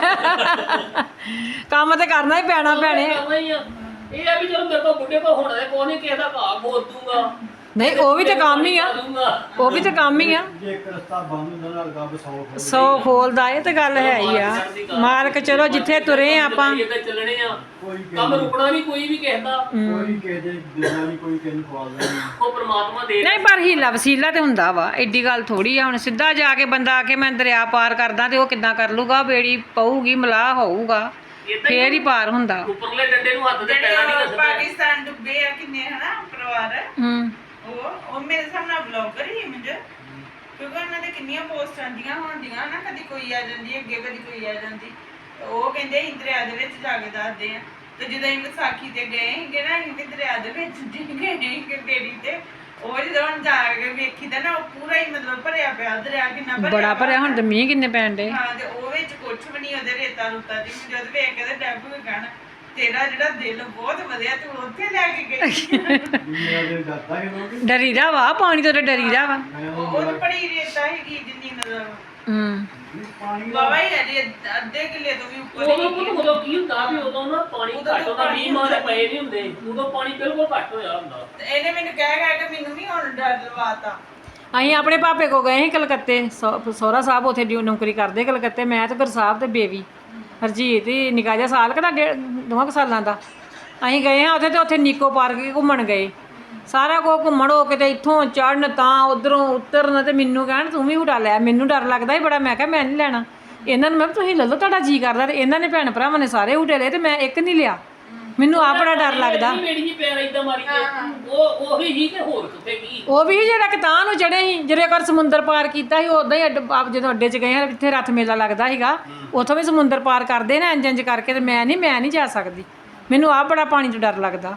Speaker 1: ਕੀ
Speaker 3: ਕੰਮ ਤੇ ਕਰਨਾ ਹੀ ਪੈਣਾ ਭੈਣੇ।
Speaker 1: ਕਰਨਾ ਹੀ ਆ। ਇਹ ਆ ਵੀ ਚਲੋ ਮੇਰੇ ਕੋਲ ਬੁੱਢੇ ਕੋ ਹੋਣਾ ਹੈ, ਕੋਈ ਨਹੀਂ ਕਿਸੇ ਦਾ ਭਾਅ ਬੋਲ ਦੂੰਗਾ।
Speaker 3: ਨਹੀਂ ਉਹ ਵੀ ਤੇ ਕੰਮ ਹੀ ਆ, ਉਹ ਵੀ ਤੇ ਕੰਮ ਹੀ ਆ।
Speaker 5: ਜੇ ਇੱਕ ਰਸਤਾ ਬੰਦ ਹੁੰਦਾ ਨਾਲ ਰੱਬ ਸੌ ਖੋਲ੍ਹਦਾ।
Speaker 3: ਸੌ ਖੋਲਦਾ ਇਹ ਤੇ ਗੱਲ ਹੈ ਹੀ ਆ। ਮਾਲਕ ਚਲੋ ਜਿੱਥੇ ਤੁਰੇ ਆ ਆਪਾਂ
Speaker 1: ਚੱਲਣੇ ਆ,
Speaker 5: ਕੋਈ ਕਿਸੇ
Speaker 1: ਕੰਮ
Speaker 5: ਨੂੰ-
Speaker 1: ਰੁਕਣਾ ਨਹੀਂ ਕੋਈ ਵੀ ਕਿਸੇ ਦਾ।
Speaker 5: ਕੋਈ ਕਿਸੇ ਦੇ ਦੇਣਾ ਨਹੀਂ, ਕੋਈ ਕਿਸੇ ਨੂੰ ਖਵਾਉਂਦਾ ਨਹੀਂ।
Speaker 1: ਉਹ ਪ੍ਰਮਾਤਮਾ ਦੇ
Speaker 3: ਨਹੀਂ ਪਰ ਹੀਲਾ ਵਸੀਲਾ ਤੇ ਹੁੰਦਾ ਵਾ, ਐਡੀ ਗੱਲ ਥੋੜੀ ਆ। ਹੁਣ ਸਿੱਧਾ ਜਾ ਕੇ ਬੰਦਾ ਆ ਕੇ ਮੈਂ ਦਰਿਆ ਪਾਰ ਕਰਦਾ ਤੇ ਉਹ ਕਿੱਦਾਂ ਕਰ ਲੂਗਾ? ਬੇੜੀ ਪਊਗੀ, ਮਲਾਹ ਹੋਊਗਾ, ਫੇਰ ਹੀ ਪਾਰ ਹੁੰਦਾ।
Speaker 1: ਉੱਪਰਲੇ ਡੰਡੇ ਨੂੰ ਹੱਥ ਦੇ ਪੈਣਾ ਨਹੀਂ
Speaker 6: ਜਿਹੜੇ
Speaker 1: ਦੱਸਦਾ।
Speaker 6: ਪਾਕਿਸਤਾਨ ਡੁੱਬੇ ਆ ਕਿੰਨੇ ਹਨਾ ਪਰਿਵਾਰ
Speaker 3: ਹੂੰ
Speaker 6: ਉਹ ਉਹ ਮੇਰੇ ਸਾਹਮਣੇ ਬਲੌਗਰ ਹੀ ਮੁੰਡੇ ਕਿਉਂਕਿ ਉਹਨਾਂ ਦੇ ਕਿੰਨੀਆਂ ਪੋਸਟ ਆਉਂਦੀਆਂ ਹੁੰਦੀਆਂ ਨਾ, ਕਦੀ ਕੋਈ ਆ ਜਾਂਦੀ ਅੱਗੇ ਕਦੀ ਕੋਈ ਆ ਜਾਂਦੀ। ਤੇ ਉਹ ਕਹਿੰਦੇ ਅਸੀਂ ਦਰਿਆ ਦੇ ਵਿੱਚ ਜਾ ਕੇ ਦੱਸਦੇ ਆ। ਤੇ ਜਦੋਂ ਅਸੀਂ ਵਿਸਾਖੀ ਤੇ ਗਏ ਸੀਗੇ ਨਾ ਅਸੀਂ ਵੀ ਦਰਿਆ ਦੇ ਵਿੱਚ ਡਿੱਗੇ ਸੀਗੇ ਬੇੜੀ ਤੇ। ਉਹ ਜਦੋਂ ਹੁਣ ਜਾ ਕੇ ਵੇਖੀ ਤਾਂ ਨਾ ਉਹ ਪੂਰਾ ਹੀ ਮਤਲਬ ਭਰਿਆ ਪਿਆ ਦਰਿਆ ਕਿੰਨਾ ਭਰਿਆ
Speaker 3: ਬੜਾ ਭਰਿਆ। ਹੁਣ ਤੇ ਮੀਂਹ ਕਿੰਨੇ ਪੈਣ ਡੇ।
Speaker 6: ਹਾਂ ਤੇ ਉਹ ਵਿੱਚ ਕੁਛ ਵੀ ਨਹੀਂ ਉਹਦੇ ਰੇਤਾ ਰੁੱਤਾ ਦੀ। ਜਦ ਵੇਖ ਕੇ ਤੇ ਡੱਬ ਵੀ ਕਹਿਣ ਤੇਰਾ ਜਿਹੜਾ ਦਿਲ ਬਹੁਤ ਵਧੀਆ ਤੂੰ ਉੱਥੇ ਲੈ ਕੇ ਗਈ।
Speaker 5: ਦੁਨੀਆ ਦੇ ਡਰਦਾ ਹੀ ਲੋਕ।
Speaker 3: ਡਰੀਦਾ ਵਾ, ਪਾਣੀ ਤੋਂ ਤੇ ਡਰੀਦਾ ਵਾ।
Speaker 5: ਮੈਂ
Speaker 6: ਉਹ
Speaker 5: ਉਹ
Speaker 6: ਉਹ ਬੜੀ ਰੇਤਾ ਹੈਗੀ ਜਿੰਨੀ ਮਤਲਬ
Speaker 3: ਹੂੰ
Speaker 5: ਪਾਣੀ ਦਾ
Speaker 6: ਬਾਬਾ ਹੀ ਹੈ ਜੀ ਅੱਧੇ ਕਿੱਲੇ ਤੋਂ ਵੀ ਉੱਪਰ
Speaker 1: ਉਦੋਂ
Speaker 6: ਹੀ
Speaker 1: ਉਦੋਂ ਕੀ ਹੁੰਦਾ ਵੀ ਉਦੋਂ ਨਾ ਪਾਣੀ
Speaker 6: ਉਦੋਂ
Speaker 1: ਘੱਟ ਹੁੰਦਾ,
Speaker 6: ਪਾਣੀ
Speaker 1: ਮੀਂਹ ਮਾਰੇ ਪਏ ਨਹੀਂ ਹੁੰਦੇ, ਉਦੋਂ ਪਾਣੀ ਬਿਲਕੁਲ ਘੱਟ ਹੋਇਆ ਹੁੰਦਾ।
Speaker 6: ਤੇ ਇਹਨੇ ਮੈਨੂੰ ਕਹਿ ਕਹਿ ਕੇ ਮੈਨੂੰ ਵੀ ਹੁਣ ਡਰ ਲਵਾਤਾ।
Speaker 3: ਅਸੀਂ ਆਪਣੇ ਪਾਪੇ ਕੋ ਗਏ ਸੀ ਕਲਕੱਤੇ। ਸਹੁ- ਸਹੁਰਾ ਸਾਹਿਬ ਉੱਥੇ ਡਿਊ ਨੌਕਰੀ ਕਰਦੇ ਕਲਕੱਤੇ। ਮੈਂ ਤੇ ਗੁਰਸਾਹਿਬ ਤੇ ਬੇਬੀ ਹਰਜੀਤ ਹੀ ਨਿੱਕਾ ਜਿਹਾ ਸਾਲ ਕੁ ਦਾ, ਡੇਢ ਦੋਵਾਂ ਕੁ ਸਾਲਾਂ ਦਾ। ਅਸੀਂ ਗਏ ਹਾਂ ਉੱਥੇ ਤੇ ਉੱਥੇ ਨਿੱਕੋ ਪਾਰਕ ਘੁੰਮਣ ਗਏ। ਸਾਰਾ ਕੁਝ ਘੁੰਮਣ ਹੋ ਕੇ ਤੇ ਇੱਥੋਂ ਚੜਨ ਤਾਂ ਉਧਰੋਂ ਉਤਰਨ ਤੇ ਮੈਨੂੰ ਕਹਿਣ ਤੂੰ ਵੀ ਹੁਟਾ ਲੈ। ਮੈਨੂੰ ਡਰ ਲੱਗਦਾ ਸੀ ਬੜਾ। ਮੈਂ ਕਿਹਾ ਮੈਂ ਨਹੀਂ ਲੈਣਾ। ਇਹਨਾਂ ਨੂੰ ਮੈਂ ਕਿਹਾ ਤੁਸੀਂ ਲੈ ਲਓ ਤੁਹਾਡਾ ਜੀ ਕਰਦਾ। ਤੇ ਇਹਨਾਂ ਨੇ ਭੈਣ ਭਰਾਵਾਂ ਨੇ ਸਾਰੇ ਹੁਟੇ ਲਏ ਤੇ ਮੈਂ ਇੱਕ ਨਹੀਂ ਲਿਆ। ਮੈਨੂੰ ਆ ਬੜਾ ਡਰ ਲੱਗਦਾ।
Speaker 1: ਮੇਰੀ ਜੀ ਪੈਰ ਇਦਾਂ ਮਾਰੀ ਗਏ। ਉਹ ਉਹੀ ਹੀ ਤੇ ਹੋਰ ਕਿੱਥੇ ਕੀ।
Speaker 3: ਉਹ ਵੀ ਜਿਹੜਾ ਕਿਤਾਨ ਨੂੰ ਚੜੇ ਸੀ, ਜਿਹੜੇ ਕਰ ਸਮੁੰਦਰ ਪਾਰ ਕੀਤਾ ਸੀ ਉਦਾਂ ਹੀ ਅੱਡ- ਆਪ ਜਦੋਂ ਅੱਡੇ 'ਚ ਗਏ ਹਾਂ ਜਿੱਥੇ ਰੱਥ ਮੇਲਾ ਲੱਗਦਾ ਸੀਗਾ ਉੱਥੋਂ ਵੀ ਸਮੁੰਦਰ ਪਾਰ ਕਰਦੇ ਨਾ ਇੰਜ ਇੰਜ ਕਰਕੇ। ਤੇ ਮੈਂ ਨਹੀਂ ਮੈਂ ਨਹੀਂ ਜਾ ਸਕਦੀ। ਮੈਨੂੰ ਆ ਬੜਾ ਪਾਣੀ ਤੋਂ ਡਰ ਲੱਗਦਾ।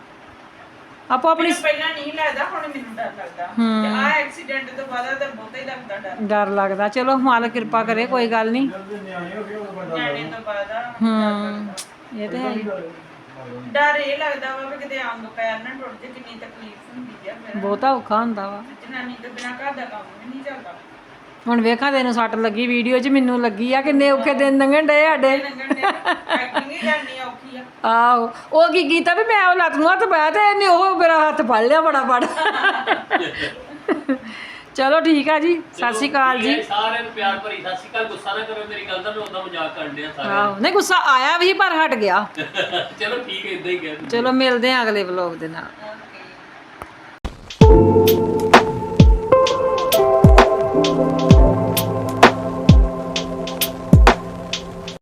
Speaker 3: ਆਪੋ ਆਪਣੀ
Speaker 6: ਮੈਨੂੰ ਪਹਿਲਾਂ ਨਹੀਂ ਲੱਗਦਾ ਹੁਣ ਮੈਨੂੰ ਡਰ ਲੱਗਦਾ। ਤੇ ਆ ਐਕਸੀਡੈਂਟ ਤੋਂ ਬਾਅਦ ਤਾਂ ਬਹੁਤਾ ਹੀ ਲੱਗਦਾ ਡਰ।
Speaker 3: ਡਰ ਲੱਗਦਾ। ਚਲੋ ਮਾਲਕ ਕਿਰਪਾ ਕਰੇ, ਕੋਈ ਗੱਲ ਨਹੀਂ।
Speaker 5: ਜਦੋਂ ਨਿਆਣੇ ਹੋ ਗਏ ਉਹ ਵੱਡਾ
Speaker 6: ਨਿਆਣੇ ਤੋਂ ਬਾਅਦ ਆ
Speaker 3: ਹੂੰ ਇਹ ਤੇ ਹੈ ਹੀ।
Speaker 6: ਡਰ ਇਹ ਲੱਗਦਾ ਵਾ ਵੀ ਕਿਤੇ ਅੰਗ ਪੈਰ ਨਾ ਟੁੱਟ ਜੇ ਕਿੰਨੀ ਤਕਲੀਫ ਹੁੰਦੀ ਆ ਫਿਰ।
Speaker 3: ਬਹੁਤਾ ਔਖਾ ਹੁੰਦਾ ਵਾ।
Speaker 6: ਜਨਾਨੀ ਤੋਂ ਬਿਨਾਂ ਘਰ ਦਾ ਕੰਮ ਵੀ ਨਹੀਂ ਚੱਲਦਾ।
Speaker 3: ਹੁਣ ਵੇਖਾਂ ਤੈਨੂੰ ਸੱਟ ਲੱਗੀ ਵੀਡੀਓ 'ਚ, ਮੈਨੂੰ ਲੱਗੀ ਆ। ਕਿੰਨੇ ਔਖੇ ਦਿਨ ਲੰਘਣ ਡਏ ਸਾਡੇ।
Speaker 6: ਲੰਗਣ ਦੇ ਪੈਕਿੰਗ ਹੀ ਕਰਨੀ ਔਖੀ ਆ।
Speaker 3: ਆਹੋ ਉਹ ਕੀ ਕੀਤਾ ਵੀ ਮੈਂ ਉਹ ਲੱਤ ਨੂੰ ਹੱਥ ਪਾਇਆ ਤੇ ਇਹਨੇ ਉਹ ਮੇਰਾ ਹੱਥ ਫੜ ਲਿਆ ਬੜਾ ਬੜ। ਚਲੋ ਠੀਕ ਆ ਜੀ, ਸਤਿ ਸ਼੍ਰੀ ਅਕਾਲ ਜੀ।
Speaker 1: ਸਾਰਿਆਂ ਨੂੰ ਪਿਆਰ ਭਰੀ ਸਤਿ ਸ਼੍ਰੀ ਅਕਾਲ। ਗੁੱਸਾ ਨਾ ਕਰੋ ਮੇਰੀ ਗੱਲ ਦਾ, ਮੈਂ ਉਹਦਾ ਮਜ਼ਾਕ ਕਰਨ ਡਿਆ ਸਾਰਿਆਂ
Speaker 3: ਆਹੋ ਨਹੀਂ ਗੁੱਸਾ ਆਇਆ ਵੀ ਪਰ ਹਟ ਗਿਆ।
Speaker 1: ਚਲੋ ਠੀਕ ਹੈ, ਇਦਾਂ ਹੀ ਕਹਿ ਦਿੰਦੇ।
Speaker 3: ਚਲੋ ਮਿਲਦੇ ਆ ਅਗਲੇ ਵਲੋਗ ਦੇ ਨਾਲ।
Speaker 6: ਓਕੇ